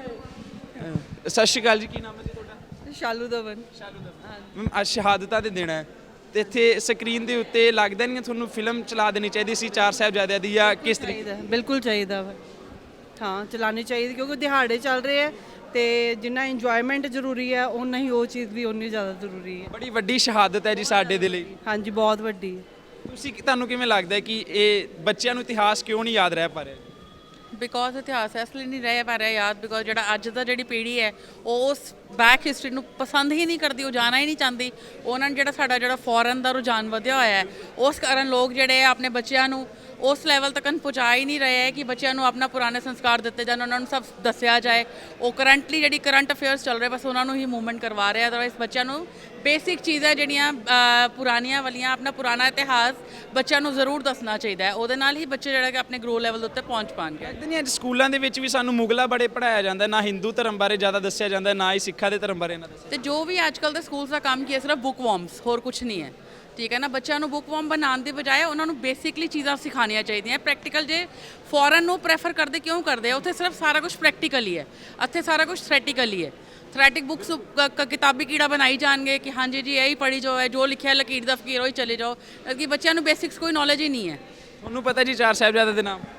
ਅ, ਸਤਿ ਸ਼੍ਰੀ ਅਕਾਲ ਜੀ, ਕੀ ਨਾਮ ਹੈ ਜੀ ਤੁਹਾਡਾ? ਸ਼ਾਲੂ ਦਵਨ। ਸ਼ਾਲੂ ਦਵਨ। ਮੈਮ ਅੱਜ ਸ਼ਹਾਦਤਾਂ ਦੇ ਦਿਨ ਹੈ ਤੇ ਇੱਥੇ ਸਕਰੀਨ ਦੇ ਉੱਤੇ ਲੱਗਦਾ ਨਹੀਂ ਤੁਹਾਨੂੰ ਫਿਲਮ ਚਲਾ ਦੇਣੀ ਚਾਹੀਦੀ ਸੀ ਚਾਰ ਸਾਹਿਬਜ਼ਾਦਿਆਂ ਦੀ, ਜਾਂ ਕਿਸ ਤਰੀਕੇ? ਚਾਹੀਦਾ, ਬਿਲਕੁਲ ਚਾਹੀਦਾ ਵਾ। ਹਾਂ ਚਲਾਉਣੀ ਚਾਹੀਦੀ, ਕਿਉਂਕਿ ਦਿਹਾੜੇ ਚੱਲ ਰਹੇ ਆ ਤੇ ਜਿੰਨਾ ਇੰਜੋਇਮੈਂਟ ਜ਼ਰੂਰੀ ਹੈ ਉਨਾ ਹੀ ਉਹ ਚੀਜ਼ ਵੀ ਉਨੀ ਜ਼ਿਆਦਾ ਜ਼ਰੂਰੀ ਹੈ। ਬੜੀ ਵੱਡੀ ਸ਼ਹਾਦਤ ਹੈ ਜੀ ਸਾਡੇ ਦੇ ਲਈ। ਹਾਂਜੀ ਬਹੁਤ ਵੱਡੀ ਹੈ। ਤੁਸੀਂ ਤੁਹਾਨੂੰ ਕਿਵੇਂ ਲੱਗਦਾ ਹੈ ਕਿ ਇਹ ਬੱਚਿਆਂ ਨੂੰ ਇਤਿਹਾਸ ਕਿਉਂ ਨਹੀਂ ਯਾਦ ਰਹਿ ਪਾ ਰਿਹਾ? ਬਿਕੋਜ਼ ਇਤਿਹਾਸ ਇਸ ਲਈ ਨਹੀਂ ਰਹਿ ਪਾ ਰਿਹਾ ਯਾਦ, ਬਿਕੋਜ਼ ਜਿਹੜਾ ਅੱਜ ਦਾ ਜਿਹੜੀ ਪੀੜ੍ਹੀ ਹੈ ਉਹ ਉਸ ਬੈਕ ਹਿਸਟਰੀ ਨੂੰ ਪਸੰਦ ਹੀ ਨਹੀਂ ਕਰਦੀ, ਉਹ ਜਾਣਾ ਹੀ ਨਹੀਂ ਚਾਹੁੰਦੀ। ਉਹਨਾਂ ਨੂੰ ਜਿਹੜਾ ਸਾਡਾ ਜਿਹੜਾ ਫੋਰਨ ਦਾ ਰੁਝਾਨ ਵਧਿਆ ਹੋਇਆ ਹੈ, ਉਸ ਕਾਰਨ ਲੋਕ ਜਿਹੜੇ ਆ ਆਪਣੇ ਬੱਚਿਆਂ ਨੂੰ ਉਸ ਲੈਵਲ ਤੱਕ ਪਹੁੰਚਾ ਹੀ ਨਹੀਂ ਰਹੇ ਹੈ ਕਿ ਬੱਚਿਆਂ ਨੂੰ ਆਪਣਾ ਪੁਰਾਣੇ ਸੰਸਕਾਰ ਦਿੱਤੇ ਜਾਣ, ਉਹਨਾਂ ਨੂੰ ਸਭ ਦੱਸਿਆ ਜਾਏ। ਉਹ ਕਰੰਟਲੀ ਜਿਹੜੀ ਕਰੰਟ ਅਫੇਅਰਸ ਚੱਲ ਰਹੇ ਬਸ ਉਹਨਾਂ ਨੂੰ ਹੀ ਮੂਵਮੈਂਟ ਕਰਵਾ ਰਹੇ। ਅਦਰਵਾਈਜ਼ ਬੱਚਿਆਂ ਨੂੰ ਬੇਸਿਕ ਚੀਜ਼ਾਂ ਜਿਹੜੀਆਂ ਪੁਰਾਣੀਆਂ ਵਾਲੀਆਂ, ਆਪਣਾ ਪੁਰਾਣਾ ਇਤਿਹਾਸ ਬੱਚਿਆਂ ਨੂੰ ਜ਼ਰੂਰ ਦੱਸਣਾ ਚਾਹੀਦਾ ਹੈ। ਉਹਦੇ ਨਾਲ ਹੀ ਬੱਚੇ ਜਿਹੜਾ ਕਿ ਆਪਣੇ ਗਰੋ ਲੈਵਲ ਦੇ ਉੱਤੇ ਪਹੁੰਚ ਪਾਉਣਗੇ। ਲੱਗਦਾ ਨਹੀਂ ਅੱਜ ਸਕੂਲਾਂ ਦੇ ਵਿੱਚ ਵੀ ਸਾਨੂੰ ਮੁਗਲਾਂ ਬੜੇ ਪੜ੍ਹਾਇਆ ਜਾਂਦਾ, ਨਾ ਹਿੰਦੂ ਧਰਮ ਬਾਰੇ ਜ਼ਿਆਦਾ ਦੱਸਿਆ ਜਾਂਦਾ, ਨਾ ਹੀ ਸਿੱਖਾਂ ਦੇ ਧਰਮ ਬਾਰੇ ਨਾ ਦੱਸਿਆ। ਤੇ ਜੋ ਵੀ ਅੱਜ ਕੱਲ੍ਹ ਦੇ ਸਕੂਲਸ ਦਾ ਕੰਮ ਕੀ ਹੈ, ਸਿਰਫ ਬੁੱਕ ਵਾਰਮਸ, ਹੋਰ ਕੁਝ ਨਹੀਂ ਹੈ। ਠੀਕ ਹੈ ਨਾ, ਬੱਚਿਆਂ ਨੂੰ ਬੁੱਕ ਵਾਰਮ ਬਣਾਉਣ ਦੀ ਬਜਾਏ ਉਹਨਾਂ ਨੂੰ ਬੇਸਿਕਲੀ ਚੀਜ਼ਾਂ ਸਿਖਾਉਣੀਆਂ ਚਾਹੀਦੀਆਂ। ਪ੍ਰੈਕਟੀਕਲ ਜੇ ਫੋਰਨ ਨੂੰ ਪ੍ਰੈਫਰ ਕਰਦੇ ਕਿਉਂ ਕਰਦੇ ਆ? ਉੱਥੇ ਸਿਰਫ ਸਾਰਾ ਕੁਝ ਪ੍ਰੈਕਟੀਕਲ ਹੀ ਹੈ, ਇੱਥੇ ਸਾਰਾ ਕੁਝ ਥਰੈਟੀਕਲ ਹੀ ਹੈ। ਥਰੈਟਿਕ ਬੁੱਕਸ ਕਿਤਾਬੀ ਕੀੜਾ ਬਣਾਈ ਜਾਣਗੇ ਕਿ ਹਾਂਜੀ ਜੀ ਇਹੀ ਪੜ੍ਹੀ ਜੋ ਹੈ, ਜੋ ਲਿਖਿਆ ਲਕੀਰ ਦਾ ਫਕੀਰ ਉਹੀ ਚਲੇ ਜਾਓ, ਕਿ ਬੱਚਿਆਂ ਨੂੰ ਬੇਸਿਕਸ ਕੋਈ ਨੌਲੇਜ ਹੀ ਨਹੀਂ ਹੈ। ਤੁਹਾਨੂੰ ਪਤਾ ਜੀ ਚਾਰ ਸਾਹਿਬਜ਼ਾਦੇ ਦੇ ਨਾਮ?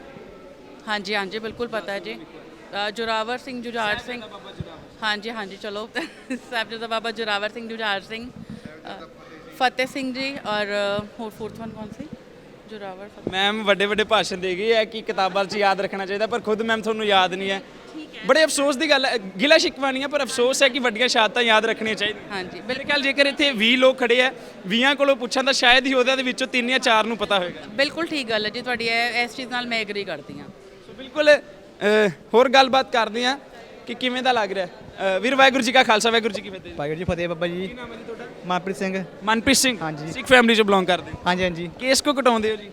ਹਾਂਜੀ ਹਾਂਜੀ ਬਿਲਕੁਲ ਪਤਾ ਹੈ ਜੀ। ਅ, ਜੋਰਾਵਰ ਸਿੰਘ, ਜੁਝਾਰ ਸਿੰਘ। ਹਾਂਜੀ ਹਾਂਜੀ ਚਲੋ ਸਾਹਿਬਜ਼ਾਦਾ ਬਾਬਾ ਜੋਰਾਵਰ ਸਿੰਘ, ਜੁਝਾਰ ਸਿੰਘ, ਅ, ਫਤਿਹ ਸਿੰਘ ਜੀ, ਔਰ ਹੋਰ ਫੋਰਥ ਵਨ ਕੌਣ ਸੀ? ਜੋਰਾਵਰ। ਮੈਮ ਵੱਡੇ ਵੱਡੇ ਭਾਸ਼ਣ ਦੇ ਗਈ ਹੈ ਕਿ ਕਿਤਾਬਾਂ 'ਚ ਯਾਦ ਰੱਖਣਾ ਚਾਹੀਦਾ, ਪਰ ਖੁਦ ਮੈਮ ਤੁਹਾਨੂੰ ਯਾਦ ਨਹੀਂ ਹੈ। ਬੜੇ ਅਫਸੋਸ ਦੀ ਗੱਲ ਹੈ, ਗਿਲਾ ਸ਼ਿਕਵਾ ਨਹੀਂ ਹੈ, ਪਰ ਅਫਸੋਸ ਹੈ ਕਿ ਵੱਡੀਆਂ ਸ਼ਹਾਦਤਾਂ ਯਾਦ ਰੱਖਣੀਆਂ ਚਾਹੀਦੀਆਂ। ਹਾਂਜੀ ਮੇਰੇ ਖਿਆਲ ਜੇਕਰ ਇੱਥੇ ਵੀਹ ਲੋਕ ਖੜੇ ਆ, ਵੀਹਾਂ ਕੋਲੋਂ ਪੁੱਛਾਂ ਤਾਂ ਸ਼ਾਇਦ ਹੀ ਉਹਦੇ ਵਿੱਚੋਂ ਤਿੰਨ ਜਾਂ ਚਾਰ ਨੂੰ ਪਤਾ ਹੋਏਗਾ। ਬਿਲਕੁਲ ਠੀਕ ਗੱਲ ਹੈ ਜੀ ਤੁਹਾਡੀ, ਇਹ ਇਸ ਚੀਜ਼ ਨਾਲ ਮੈਂ ਐਗਰੀ ਕਰਦੀ ਹਾਂ। ਸੋ ਬਿਲਕੁਲ ਅ, ਹੋਰ ਗੱਲਬਾਤ ਕਰਦੇ ਹਾਂ ਕਿ ਕਿਵੇਂ ਦਾ ਲੱਗ ਰਿਹਾ। ਅ, ਵੀਰ ਵਾਹਿਗੁਰੂ ਜੀ ਕਾ ਖਾਲਸਾ, ਵਾਹਿਗੁਰੂ ਜੀ ਕੀ ਫਤਿਹ। ਵਾਹਿਗੁਰੂ ਜੀ ਫਤਿਹ ਬਾਬਾ ਜੀ। ਕੀ ਨਾਮ ਹੈ ਜੀ ਤੁਹਾਡਾ? ਮਨਪ੍ਰੀਤ ਸਿੰਘ। ਮਨਪ੍ਰੀਤ ਸਿੰਘ। ਹਾਂਜੀ। ਸਿੱਖ ਫੈਮਿਲੀ 'ਚ ਬਿਲੋਂਗ ਕਰਦੇ? ਹਾਂਜੀ ਹਾਂਜੀ। ਕੇਸ ਕੋ ਕਟਾਉਂਦੇ ਹੋ ਜੀ?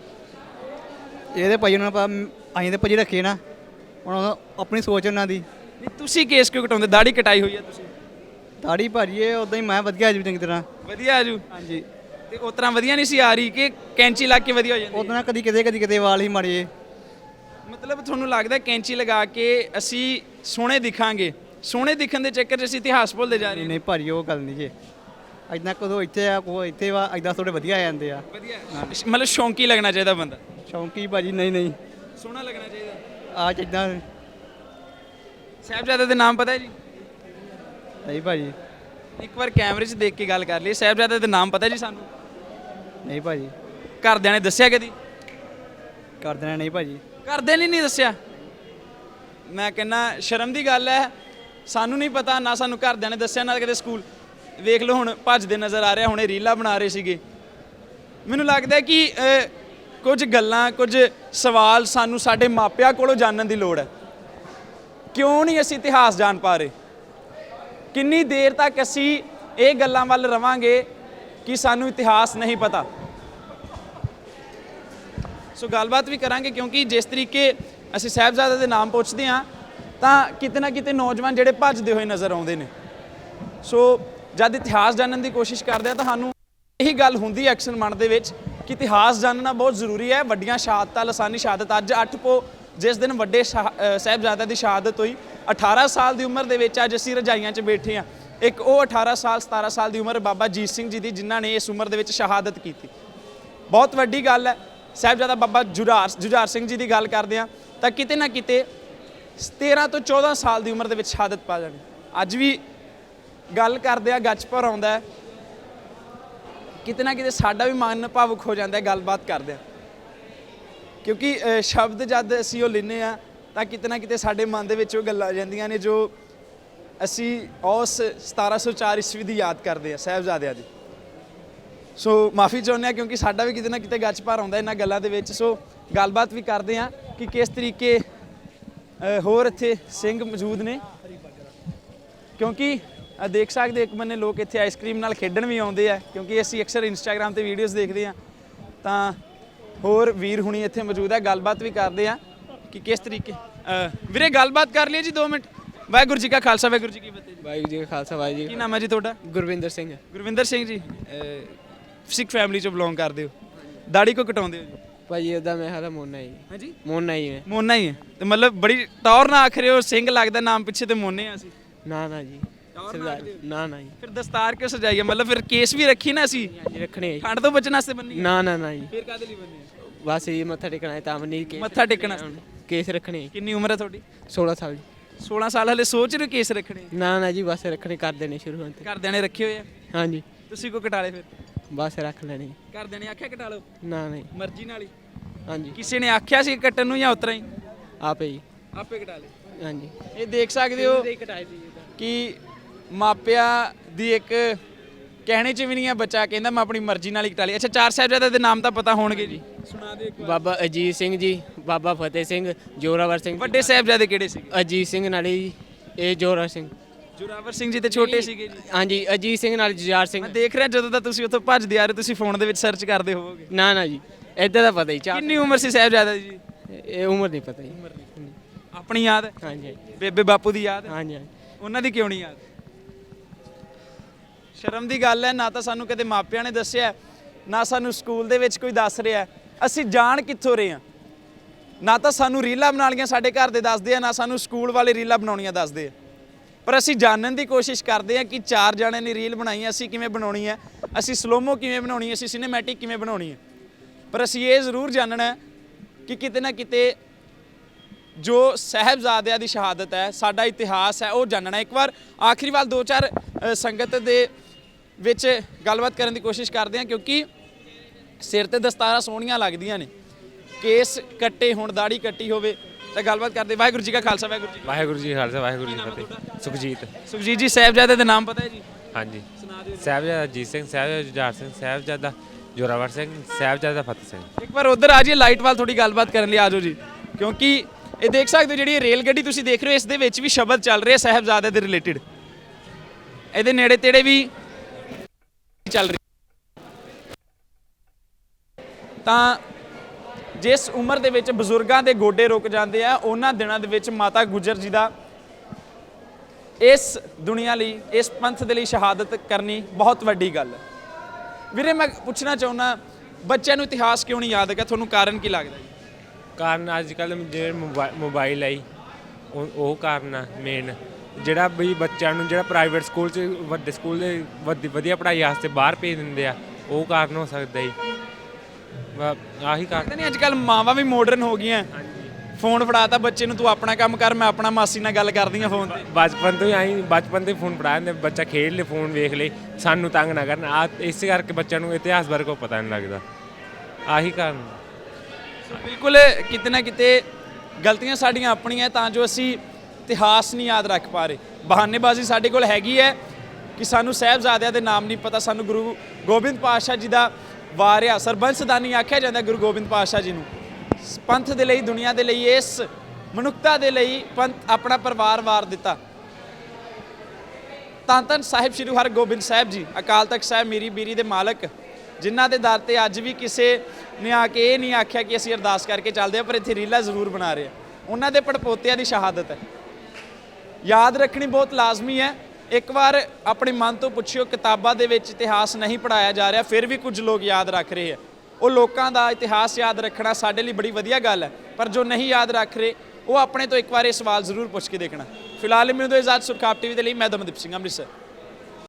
ਇਹਦੇ ਭਾਈ ਉਹਨਾਂ ਪਾ ਅਸੀਂ ਤੇ ਭਾਜੀ ਰੱਖੇ ਨਾ, ਉਹਨਾਂ ਆਪਣੀ ਸੋਚ ਉਹਨਾਂ ਦੀ। ਨਹੀਂ ਤੁਸੀਂ ਕੇਸ ਕਿਉਂ ਕਟਾਉਂਦੇ? ਦਾੜੀ ਕਟਾਈ ਹੋਈ ਹੈ ਤੁਸੀਂ। ਦਾੜੀ ਭਾਜੀ ਇਹ ਉਦਾਂ ਹੀ ਮੈਂ ਵਧੀਆ ਜੀ ਚੰਗੀ ਤਰ੍ਹਾਂ। ਵਧੀਆ ਆਜੂ। ਹਾਂਜੀ। ਤੇ ਉਸ ਤਰ੍ਹਾਂ ਵਧੀਆ ਨਹੀਂ ਸੀ ਆ ਰਹੀ ਕਿ ਕੈਂਚੀ ਲਾ ਕੇ ਵਧੀਆ ਹੋ ਜਾਂਦੀ? ਉਦਾਂ ਕਦੀ ਕਿਤੇ ਕਦੀ ਕਿਤੇ ਵਾਲ ਹੀ ਮਾੜੇ। ਮਤਲਬ ਤੁਹਾਨੂੰ ਲੱਗਦਾ ਕੈਂਚੀ ਲਗਾ ਕੇ ਅਸੀਂ ਸੋਹਣੇ ਦਿਖਾਂਗੇ, ਸੋਹਣੇ ਦਿਖਣ ਦੇ ਚੱਕਰ 'ਚ ਅਸੀਂ ਇਤਿਹਾਸ ਭੁੱਲਦੇ ਜਾ ਰਹੇ ਨਹੀਂ ਹਾਂ? ਨਹੀਂ ਭਾਜੀ ਉਹ ਗੱਲ ਨਹੀਂ ਜੀ। ਇੱਦਾਂ ਕਦੋਂ ਇੱਥੇ ਆ ਕੋ ਇੱਥੇ ਵਾ, ਇੱਦਾਂ ਥੋੜੇ ਵਧੀਆ ਆ ਜਾਂਦੇ ਆ। ਵਧੀਆ ਮਤਲਬ ਸ਼ੌਂਕੀ ਲੱਗਣਾ ਚਾਹੀਦਾ ਬੰਦਾ? ਸ਼ੌਂਕੀ ਭਾਜੀ ਨਹੀਂ ਨਹੀਂ, ਸੋਹਣਾ ਲੱਗਣਾ ਚਾਹੀਦਾ। ਆ ਜਿੱਦਾਂ ਸਾਹਿਬਜ਼ਾਦੇ ਦੇ ਨਾਮ ਪਤਾ ਹੈ ਜੀ? ਨਹੀਂ ਭਾਜੀ। ਇੱਕ ਵਾਰ ਕੈਮਰੇ 'ਚ ਦੇਖ ਕੇ ਗੱਲ ਕਰ ਲਈ। ਸਾਹਿਬਜ਼ਾਦੇ ਦੇ ਨਾਮ ਪਤਾ ਜੀ ਸਾਨੂੰ? ਨਹੀਂ ਭਾਜੀ। ਘਰਦਿਆਂ ਨੇ ਦੱਸਿਆ ਕਦੀ? ਕਰ ਦੇਣਾ ਨਹੀਂ ਭਾਜੀ। ਘਰਦਿਆਂ ਨੇ ਨਹੀਂ ਦੱਸਿਆ? ਮੈਂ ਕਹਿੰਦਾ ਸ਼ਰਮ ਦੀ ਗੱਲ ਹੈ, ਸਾਨੂੰ ਨਹੀਂ ਪਤਾ, ਨਾ ਸਾਨੂੰ ਘਰਦਿਆਂ ਨੇ ਦੱਸਿਆ, ਨਾ ਕਦੇ ਸਕੂਲ। ਵੇਖ ਲਓ ਹੁਣ ਭੱਜਦੇ ਨਜ਼ਰ ਆ ਰਿਹਾ, ਹੁਣੇ ਰੀਲਾਂ ਬਣਾ ਰਹੇ ਸੀਗੇ। ਮੈਨੂੰ ਲੱਗਦਾ ਕਿ ਅ, ਕੁਝ ਗੱਲਾਂ, ਕੁਝ ਸਵਾਲ ਸਾਨੂੰ ਸਾਡੇ ਮਾਪਿਆਂ ਕੋਲੋਂ ਜਾਣਨ ਦੀ ਲੋੜ ਹੈ। ਕਿਉਂ ਨਹੀਂ ਅਸੀਂ ਇਤਿਹਾਸ ਜਾਣ ਪਾ ਰਹੇ? ਕਿੰਨੀ ਦੇਰ ਤੱਕ ਅਸੀਂ ਇਹ ਗੱਲਾਂ ਵੱਲ ਰਵਾਂਗੇ ਕਿ ਸਾਨੂੰ ਇਤਿਹਾਸ ਨਹੀਂ ਪਤਾ? ਸੋ ਗੱਲਬਾਤ ਵੀ ਕਰਾਂਗੇ, ਕਿਉਂਕਿ ਜਿਸ ਤਰੀਕੇ ਅਸੀਂ ਸਾਹਿਬਜ਼ਾਦੇ ਦੇ ਨਾਮ ਪੁੱਛਦੇ ਹਾਂ ਤਾਂ ਕਿਤੇ ਨਾ ਕਿਤੇ ਨੌਜਵਾਨ ਜਿਹੜੇ ਭੱਜਦੇ ਹੋਏ ਨਜ਼ਰ ਆਉਂਦੇ ਨੇ। ਸੋ ਜਦ ਇਤਿਹਾਸ ਜਾਣਨ ਦੀ ਕੋਸ਼ਿਸ਼ ਕਰਦੇ ਆ ਤਾਂ ਸਾਨੂੰ ਇਹੀ ਗੱਲ ਹੁੰਦੀ ਹੈ ਅਕਸਰ ਮਨ ਦੇ ਵਿੱਚ ਕਿ ਇਤਿਹਾਸ ਜਾਣਨਾ ਬਹੁਤ ਜ਼ਰੂਰੀ ਹੈ। ਵੱਡੀਆਂ ਸ਼ਹਾਦਤਾਂ, ਲਾਸਾਨੀ ਸ਼ਹਾਦਤ, ਅੱਜ ਅੱਠ ਪੋ ਜਿਸ ਦਿਨ ਵੱਡੇ ਸਾਹਿਬਜ਼ਾਦਿਆਂ ਦੀ ਸ਼ਹਾਦਤ ਹੋਈ, ਅਠਾਰਾਂ ਸਾਲ ਦੀ ਉਮਰ ਦੇ ਵਿੱਚ ਅੱਜ ਅਸੀਂ ਰਜਾਈਆਂ 'ਚ ਬੈਠੇ ਹਾਂ। ਇੱਕ ਉਹ ਅਠਾਰਾਂ ਸਾਲ ਸਤਾਰਾਂ ਸਾਲ ਦੀ ਉਮਰ ਬਾਬਾ ਅਜੀਤ ਸਿੰਘ ਜੀ ਦੀ, ਜਿਨ੍ਹਾਂ ਨੇ ਇਸ ਉਮਰ ਦੇ ਵਿੱਚ ਸ਼ਹਾਦਤ ਕੀਤੀ। ਬਹੁਤ ਵੱਡੀ ਗੱਲ ਹੈ। ਸਾਹਿਬਜ਼ਾਦਾ ਬਾਬਾ ਜੁਝਾਰ ਜੁਝਾਰ ਸਿੰਘ ਜੀ ਦੀ ਗੱਲ ਕਰਦੇ ਹਾਂ ਤਾਂ ਕਿਤੇ ਨਾ ਕਿਤੇ ਤੇਰ੍ਹਾਂ ਤੋਂ ਚੌਦ੍ਹਾਂ ਸਾਲ ਦੀ ਉਮਰ ਦੇ ਵਿੱਚ ਸ਼ਹਾਦਤ ਪਾ ਜਾਣੀ। ਅੱਜ ਵੀ ਗੱਲ ਕਰਦੇ ਆ ਗੱਜ ਭਰ ਆਉਂਦਾ ਕਿਤੇ ਨਾ ਕਿਤੇ ਸਾਡਾ ਵੀ ਮਨ ਭਾਵੁਕ ਹੋ ਜਾਂਦਾ ਹੈ ਗੱਲਬਾਤ ਕਰਦੇ ਆ, ਕਿਉਂਕਿ ਅ, ਸ਼ਬਦ ਜਦ ਅਸੀਂ ਉਹ ਲੈਂਦੇ ਆ ਤਾਂ ਕਿਤੇ ਨਾ ਕਿਤੇ ਸਾਡੇ ਮਨ ਦੇ ਵਿੱਚ ਉਹ ਗੱਲਾਂ ਆ ਜਾਂਦੀਆਂ ਨੇ ਜੋ ਅਸੀਂ ਉਸ ਸਤਾਰਾਂ ਸੌ ਚਾਰ ਈਸਵੀ ਦੀ ਯਾਦ ਕਰਦੇ ਆ, ਸਾਹਿਬਜ਼ਾਦਿਆਂ ਦੀ। ਸੋ ਮਾਫੀ ਚਾਹੁੰਦੇ ਆ ਕਿਉਂਕਿ ਸਾਡਾ ਵੀ ਕਿਤੇ ਨਾ ਕਿਤੇ ਗੱਚ ਭਰ ਆਉਂਦਾ ਇਹਨਾਂ ਗੱਲਾਂ ਦੇ ਵਿੱਚ। ਸੋ ਗੱਲਬਾਤ ਵੀ ਕਰਦੇ ਆ ਕਿ ਕਿਸ ਤਰੀਕੇ ਅ, ਹੋਰ ਇੱਥੇ ਸਿੰਘ ਮੌਜੂਦ ਨੇ, ਕਿਉਂਕਿ ਅ, ਦੇਖ ਸਕਦੇ ਇੱਕ ਬੰਨੇ ਲੋਕ ਇੱਥੇ ਆਈਸਕ੍ਰੀਮ ਨਾਲ ਖੇਡਣ ਵੀ ਆਉਂਦੇ ਆ, ਕਿਉਂਕਿ ਅਸੀਂ ਅਕਸਰ ਇੰਸਟਾਗ੍ਰਾਮ ਤੇ ਵੀਡੀਓਜ਼ ਦੇਖਦੇ ਆ। ਤਾਂ ਹੋਰ ਵੀਰ ਹੁਣੀ ਇੱਥੇ ਮੌਜੂਦ ਹੈ, ਗੱਲਬਾਤ ਵੀ ਕਰਦੇ ਆ ਕਿ ਕਿਸ ਤਰੀਕੇ ਅ, ਵੀਰੇ ਗੱਲਬਾਤ ਕਰ ਲਈ ਜੀ ਦੋ ਮਿੰਟ। ਵਾਹਿਗੁਰੂ ਜੀ ਕਾ ਖਾਲਸਾ ਵਾਹਿਗੁਰੂ ਜੀ ਕੀ ਫਤਿਹ ਜੀ। ਵਾਹਿਗੁਰੂ ਜੀ ਕਾ ਖਾਲਸਾ ਵਾਹਿਗੁਰੂ ਜੀ ਕੀ ਨਾਮ ਹੈ ਜੀ ਤੁਹਾਡਾ? ਗੁਰਵਿੰਦਰ ਸਿੰਘ। ਗੁਰਵਿੰਦਰ ਸਿੰਘ ਜੀ, ਸਿੱਖ ਫੈਮਿਲੀ ਚੋਂ ਬਿਲੋਂਗ ਕਰਦੇ ਹੋ, ਦਾੜੀ ਕੋ ਕਟਾਉਂਦੇ ਹੋ ਜੀ? ਭਾਜੀ ਉਹਦਾ ਮੈਂ ਹਾਲਾ ਮੋਨਾ ਹੀ ਹਾਂਜੀ ਮੋਨਾ ਹੀ ਹੈ। ਮੋਨਾ ਹੀ ਹੈ ਤੇ ਮਤਲਬ ਬੜੀ ਟੌਰ ਨਾ ਆਖਰੇ ਹੋ, ਸਿੰਘ ਲੱਗਦਾ ਨਾਮ ਪਿੱਛੇ ਤੇ ਮੋਨੇ ਆ ਅਸੀਂ। ਨਾ ਨਾ ਜੀ ਸਰਦਾਰ ਨਾ ਨਾ ਜੀ। ਫਿਰ ਦਸਤਾਰ ਕਿਉਂ ਸਜਾਈ ਹੈ? ਮਤਲਬ ਫਿਰ ਕੇਸ ਵੀ ਰੱਖੀ ਨਾ ਅਸੀਂ ਹਾਂਜੀ ਰੱਖਣੇ ਜੀ। ਠੰਡ ਤੋਂ ਬਚਣ ਵਾਸਤੇ ਬੰਨੀ ਹੈ? ਨਾ ਨਾ ਨਾ ਜੀ ਫਿਰ ਕਾਹਦੇ ਲਈ ਬੰਨੀ ਹੈ? ਬਸ ਇਹ ਮੱਥਾ ਟੇਕਣਾ ਹੈ ਤਾਂ ਨਹੀਂ ਕਿ ਮੱਥਾ ਟੇਕਣਾ। ਕੇਸ ਰੱਖਣੇ। ਕਿੰਨੀ ਉਮਰ ਹੈ ਤੁਹਾਡੀ? ਸੋਲਾਂ ਸਾਲ ਜੀ। ਸੋਲਾਂ ਸਾਲ ਹਲੇ ਸੋਚ ਰਹੇ ਕੇਸ ਰੱਖਣੇ? ਨਾ ਨਾ ਜੀ ਬਸ ਰੱਖਣੇ ਕਰ ਦੇਣੇ ਸ਼ੁਰੂ ਹੋਣ ਤੇ। ਘਰਦਿਆਂ ਨੇ ਰੱਖੇ ਹੋਏ ਆ? ਹਾਂਜੀ ਤੁਸੀਂ ਕੋ ਕਟਾ ਲਏ ਫਿਰ? ਬਸ ਰੱਖ ਲੈਣੇ। ਘਰਦਿਆਂ ਨੇ ਆਖਿਆ ਕਟਾ ਲਓ? ਨਾ ਨਹੀਂ ਮਰਜ਼ੀ ਨਾਲ ਹੀ? ਹਾਂਜੀ ਕਿਸੇ ਨੇ ਆਖਿਆ ਸੀ ਕੱਟਣ ਨੂੰ ਜਾਂ ਉਤਰਾ ਹੀ ਆਪੇ ਜੀ ਆਪੇ ਕਟਾ ਲਏ? ਹਾਂਜੀ ਇਹ ਦੇਖ ਸਕਦੇ ਹੋ ਕਿ ਮਾਪਿਆਂ ਦੀ ਇੱਕ ਕਹਿਣੇ ਚ ਵੀ ਨਹੀਂ ਹੈ, ਬੱਚਾ ਕਹਿੰਦਾ ਮੈਂ ਆਪਣੀ ਮਰਜ਼ੀ ਨਾਲ ਹੀ ਕਟਾ ਲਈ। ਅੱਛਾ ਚਾਰ ਸਾਹਿਬਜ਼ਾਦਿਆਂ ਦੇ ਨਾਮ ਤਾਂ ਪਤਾ ਹੋਣਗੇ ਜੀ, ਸੁਣਾ ਦਿਓ ਇੱਕ ਵਾਰ। ਬਾਬਾ ਅਜੀਤ ਸਿੰਘ ਜੀ, ਬਾਬਾ ਫਤਿਹ ਸਿੰਘ, ਜੋਰਾਵਰ ਸਿੰਘ। ਵੱਡੇ ਸਾਹਿਬਜ਼ਾਦੇ ਕਿਹੜੇ ਸੀਗੇ? ਅਜੀਤ ਸਿੰਘ ਨਾਲੇ ਜੀ ਇਹ ਜੋਰਾਵਰ ਸਿੰਘ। ਜੋਰਾਵਰ ਸਿੰਘ ਜੀ ਤੇ ਛੋਟੇ ਸੀਗੇ ਜੀ? ਹਾਂਜੀ ਅਜੀਤ ਸਿੰਘ ਨਾਲ ਜੁਝਾਰ ਸਿੰਘ। ਮੈਂ ਦੇਖ ਰਿਹਾ ਜਦੋਂ ਦਾ ਤੁਸੀਂ ਉੱਥੋਂ ਭੱਜਦੇ ਆ ਰਹੇ ਤੁਸੀਂ ਫੋਨ ਦੇ ਵਿੱਚ ਸਰਚ ਕਰਦੇ ਹੋਵੋਗੇ। ਨਾ ਨਾ ਜੀ ਇੱਦਾਂ ਦਾ ਪਤਾ ਹੀ। ਚਾਰ ਕਿੰਨੀ ਉਮਰ ਸੀ ਸਾਹਿਬਜ਼ਾਦਾ ਜੀ? ਇਹ ਉਮਰ ਨਹੀਂ ਪਤਾ ਜੀ। ਆਪਣੀ ਯਾਦ ਹੈ? ਹਾਂਜੀ ਬੇਬੇ ਬਾਪੂ ਦੀ ਯਾਦ ਹੈ? ਹਾਂਜੀ ਹਾਂਜੀ ਉਹਨਾਂ ਦੀ ਕਿਉਂ ਨਹੀਂ ਯਾਦ? ਸ਼ਰਮ ਦੀ ਗੱਲ ਹੈ, ਨਾ ਤਾਂ ਸਾਨੂੰ ਕਦੇ ਮਾਪਿਆਂ ਨੇ ਦੱਸਿਆ, ਨਾ ਸਾਨੂੰ ਸਕੂਲ ਦੇ ਵਿੱਚ ਕੋਈ ਦੱਸ ਰਿਹਾ। ਅਸੀਂ ਜਾਣ ਕਿੱਥੋਂ ਰਹੇ ਹਾਂ? ਨਾ ਤਾਂ ਸਾਨੂੰ ਰੀਲਾਂ ਬਣਾਉਣੀਆਂ ਸਾਡੇ ਘਰ ਦੇ ਦੱਸਦੇ ਆ, ਨਾ ਸਾਨੂੰ ਸਕੂਲ ਵਾਲੇ ਰੀਲਾਂ ਬਣਾਉਣੀਆਂ ਦੱਸਦੇ ਆ। ਪਰ ਅਸੀਂ ਜਾਣਨ ਦੀ ਕੋਸ਼ਿਸ਼ ਕਰਦੇ ਹਾਂ ਕਿ ਚਾਰ ਜਣਿਆਂ ਨੇ ਰੀਲ ਬਣਾਈ, ਅਸੀਂ ਕਿਵੇਂ ਬਣਾਉਣੀ ਹੈ, ਅਸੀਂ ਸਲੋਮੋ ਕਿਵੇਂ ਬਣਾਉਣੀ ਹੈ, ਅਸੀਂ ਸਿਨੇਮੈਟਿਕ ਕਿਵੇਂ ਬਣਾਉਣੀ ਹੈ। ਪਰ ਅਸੀਂ ਇਹ ਜ਼ਰੂਰ ਜਾਣਨਾ ਕਿ ਕਿਤੇ ਨਾ ਕਿਤੇ ਜੋ ਸਾਹਿਬਜ਼ਾਦਿਆਂ ਦੀ ਸ਼ਹਾਦਤ ਹੈ, ਸਾਡਾ ਇਤਿਹਾਸ ਹੈ, ਉਹ ਜਾਣਨਾ। ਇੱਕ ਵਾਰ ਆਖਰੀ ਵਾਰ ਦੋ ਚਾਰ ਅ, ਸੰਗਤ ਦੇ ਵਿੱਚ ਗੱਲਬਾਤ ਕਰਨ ਦੀ ਕੋਸ਼ਿਸ਼ ਕਰਦੇ ਹਾਂ, ਕਿਉਂਕਿ ਸਿਰ ਤੇ ਦਸਤਾਰਾਂ ਸੋਹਣੀਆਂ ਲੱਗਦੀਆਂ ਨੇ, ਕੇਸ ਕੱਟੇ ਹੋਣ, ਦਾੜੀ ਕੱਟੀ ਹੋਵੇ ਤਾਂ ਗੱਲਬਾਤ ਕਰਦੇ। ਵਾਹਿਗੁਰੂ ਜੀ ਕਾ ਖਾਲਸਾ ਵਾਹਿਗੁਰੂ ਜੀ ਵਾਹਿਗੁਰੂ ਜੀ ਖਾਲਸਾ ਵਾਹਿਗੁਰੂ ਜੀ ਫਤਿਹ। ਸੁਖਜੀਤ। ਸੁਖਜੀਤ ਜੀ ਸਾਹਿਬਜ਼ਾਦੇ ਦੇ ਨਾਮ ਪਤਾ ਹੈ ਜੀ? ਹਾਂਜੀ ਸਾਹਿਬਜ਼ਾਦਾ ਅਜੀਤ ਸਿੰਘ, ਸਾਹਿਬਜ਼ਾਦਾ ਜੁਝਾਰ ਸਿੰਘ, ਸਾਹਿਬਜ਼ਾਦਾ ਜੋਰਾਵਰ ਸਿੰਘ, ਸਾਹਿਬਜ਼ਾਦਾ ਫਤਿਹ ਸਿੰਘ। ਇੱਕ ਵਾਰ ਉਧਰ ਆ ਜਾਈਏ ਲਾਈਟ ਵੱਲ ਥੋੜੀ ਗੱਲਬਾਤ ਕਰਨ ਲਈ ਆ ਜਾਓ ਜੀ, ਕਿਉਂਕਿ ਇਹ ਦੇਖ ਸਕਦੇ ਹੋ ਜਿਹੜੀ ਇਹ ਰੇਲ ਗੱਡੀ ਤੁਸੀਂ ਦੇਖ ਰਹੇ ਹੋ ਇਸ ਦੇ ਵਿੱਚ ਵੀ ਸ਼ਬਦ ਚੱਲ ਰਿਹਾ ਸਾਹਿਬਜ਼ਾਦੇ ਦੇ ਰਿਲੇਟਡ। ਇਹਦੇ ਨੇੜੇ ਤੇੜੇ ਵੀ ਚੱਲ ਰਹੀ। ਤਾਂ ਜਿਸ ਉਮਰ ਦੇ ਵਿੱਚ ਬਜ਼ੁਰਗਾਂ ਦੇ ਗੋਡੇ ਰੁਕ ਜਾਂਦੇ ਆ, ਉਹਨਾਂ ਦਿਨਾਂ ਦੇ ਵਿੱਚ ਮਾਤਾ ਗੁਜਰ ਜੀ ਦਾ ਇਸ ਦੁਨੀਆ ਲਈ, ਇਸ ਪੰਥ ਦੇ ਲਈ ਸ਼ਹਾਦਤ ਕਰਨੀ ਬਹੁਤ ਵੱਡੀ ਗੱਲ ਹੈ। ਵੀਰੇ ਮੈਂ ਪੁੱਛਣਾ ਚਾਹੁੰਦਾ, ਬੱਚਿਆਂ ਨੂੰ ਇਤਿਹਾਸ ਕਿਉਂ ਨਹੀਂ ਯਾਦ ਹੈਗਾ? ਤੁਹਾਨੂੰ ਕਾਰਨ ਕੀ ਲੱਗਦਾ ਜੀ? ਕਾਰਨ ਅੱਜ ਕੱਲ੍ਹ ਜਿਹੜੇ ਮੋਬਾਈਲ ਆਈ ਉਹ ਉਹ ਕਾਰਨ ਆ ਮੇਨ। ਜਿਹੜਾ ਵੀ ਬੱਚਿਆਂ ਨੂੰ ਜਿਹੜਾ ਪ੍ਰਾਈਵੇਟ ਸਕੂਲ 'ਚ ਵੱਡੇ ਸਕੂਲ ਦੇ ਵਧੀ ਵਧੀਆ ਪੜ੍ਹਾਈ ਵਾਸਤੇ ਬਾਹਰ ਭੇਜ ਦਿੰਦੇ ਆ, ਉਹ ਕਾਰਨ ਹੋ ਸਕਦਾ ਜੀ। ਆਹੀ ਕਾਰਨ ਨਹੀਂ, ਅੱਜ ਕੱਲ੍ਹ ਮਾਵਾਂ ਵੀ ਮਾਡਰਨ ਹੋ ਗਈਆਂ। ਫੋਨ ਫੜਾਤਾ ਬੱਚੇ ਨੂੰ, ਤੂੰ ਆਪਣਾ ਕੰਮ ਕਰ, ਮੈਂ ਆਪਣਾ ਮਾਸੀ ਨਾਲ ਗੱਲ ਕਰਦੀ ਹਾਂ ਫੋਨ ਤੇ। ਬਚਪਨ ਤੋਂ ਹੀ ਆਈ ਬਚਪਨ ਤੋਂ ਹੀ ਫੋਨ ਫੜਾ ਦਿੰਦੇ, ਬੱਚਾ ਖੇਡ ਲੇ, ਫੋਨ ਵੇਖ ਲੇ, ਸਾਨੂੰ ਤੰਗ ਨਾ ਕਰਨ। ਆ ਇਸੇ ਕਰਕੇ ਬੱਚਿਆਂ ਨੂੰ ਇਤਿਹਾਸ ਬਾਰੇ ਕੋਈ ਪਤਾ ਨਹੀਂ ਲੱਗਦਾ। ਆਹੀ ਕਾਰਨ। ਬਿਲਕੁਲ ਕਿਤੇ ਨਾ ਕਿਤੇ ਗਲਤੀਆਂ ਸਾਡੀਆਂ ਆਪਣੀਆਂ, ਤਾਂ ਜੋ ਅਸੀਂ ਇਤਿਹਾਸ ਨਹੀਂ ਯਾਦ ਰੱਖ ਪਾ ਰਹੇ। ਬਹਾਨੇਬਾਜ਼ੀ ਸਾਡੇ ਕੋਲ ਹੈਗੀ ਹੈ ਕਿ ਸਾਨੂੰ ਸਾਹਿਬਜ਼ਾਦਿਆਂ ਦੇ ਨਾਮ ਨਹੀਂ ਪਤਾ, ਸਾਨੂੰ ਗੁਰੂ ਗੋਬਿੰਦ ਪਾਤਸ਼ਾਹ ਜੀ ਦਾ ਵਾਰਿਆ ਸਰਬੰਸਦਾਨੀ ਆਖਿਆ ਜਾਂਦਾ ਗੁਰੂ ਗੋਬਿੰਦ ਪਾਤਸ਼ਾਹ ਜੀ ਨੂੰ। ਪੰਥ ਦੇ ਲਈ, ਦੁਨੀਆ ਦੇ ਲਈ, ਇਸ ਮਨੁੱਖਤਾ ਦੇ ਲਈ ਪੰਥ ਆਪਣਾ ਪਰਿਵਾਰ ਵਾਰ ਦਿੱਤਾ। ਧੰਨ ਧੰਨ ਸਾਹਿਬ ਸ਼੍ਰੀ ਹਰਗੋਬਿੰਦ ਸਾਹਿਬ ਜੀ, ਅਕਾਲ ਤਖਤ ਸਾਹਿਬ ਮੀਰੀ ਬੀਰੀ ਦੇ ਮਾਲਕ, ਜਿਨ੍ਹਾਂ ਦੇ ਦਰ ਤੇ ਅੱਜ ਵੀ ਕਿਸੇ ਨੇ ਆ ਕੇ ਇਹ ਨਹੀਂ ਆਖਿਆ ਕਿ ਅਸੀਂ ਅਰਦਾਸ ਕਰਕੇ ਚੱਲਦੇ ਹਾਂ, ਪਰ ਇੱਥੇ ਰੀਲਾ ਜ਼ਰੂਰ ਬਣਾ ਰਹੇ ਆ। ਉਹਨਾਂ ਦੇ ਪੜਪੋਤਿਆਂ ਦੀ ਸ਼ਹਾਦਤ ਹੈ, ਯਾਦ ਰੱਖਣੀ ਬਹੁਤ ਲਾਜ਼ਮੀ ਹੈ। ਇੱਕ ਵਾਰ ਆਪਣੇ ਮਨ ਤੋਂ ਪੁੱਛਿਓ, ਕਿਤਾਬਾਂ ਦੇ ਵਿੱਚ ਇਤਿਹਾਸ ਨਹੀਂ ਪੜ੍ਹਾਇਆ ਜਾ ਰਿਹਾ, ਫਿਰ ਵੀ ਕੁਝ ਲੋਕ ਯਾਦ ਰੱਖ ਰਹੇ ਆ। ਉਹ ਲੋਕਾਂ ਦਾ ਇਤਿਹਾਸ ਯਾਦ ਰੱਖਣਾ ਸਾਡੇ ਲਈ ਬੜੀ ਵਧੀਆ ਗੱਲ ਹੈ, ਪਰ ਜੋ ਨਹੀਂ ਯਾਦ ਰੱਖ ਰਹੇ ਉਹ ਆਪਣੇ ਤੋਂ ਇੱਕ ਵਾਰ ਇਹ ਸਵਾਲ ਜ਼ਰੂਰ ਪੁੱਛ ਕੇ ਦੇਖਣਾ। ਫਿਲਹਾਲ ਮੈਨੂੰ ਇਜਾਜ਼ਤ, ਸੁਰਖਾਬ ਟੀਵੀ ਦੇ ਲਈ ਮੈਂ ਦਮਨਦੀਪ ਸਿੰਘ, ਅੰਮ੍ਰਿਤਸਰ।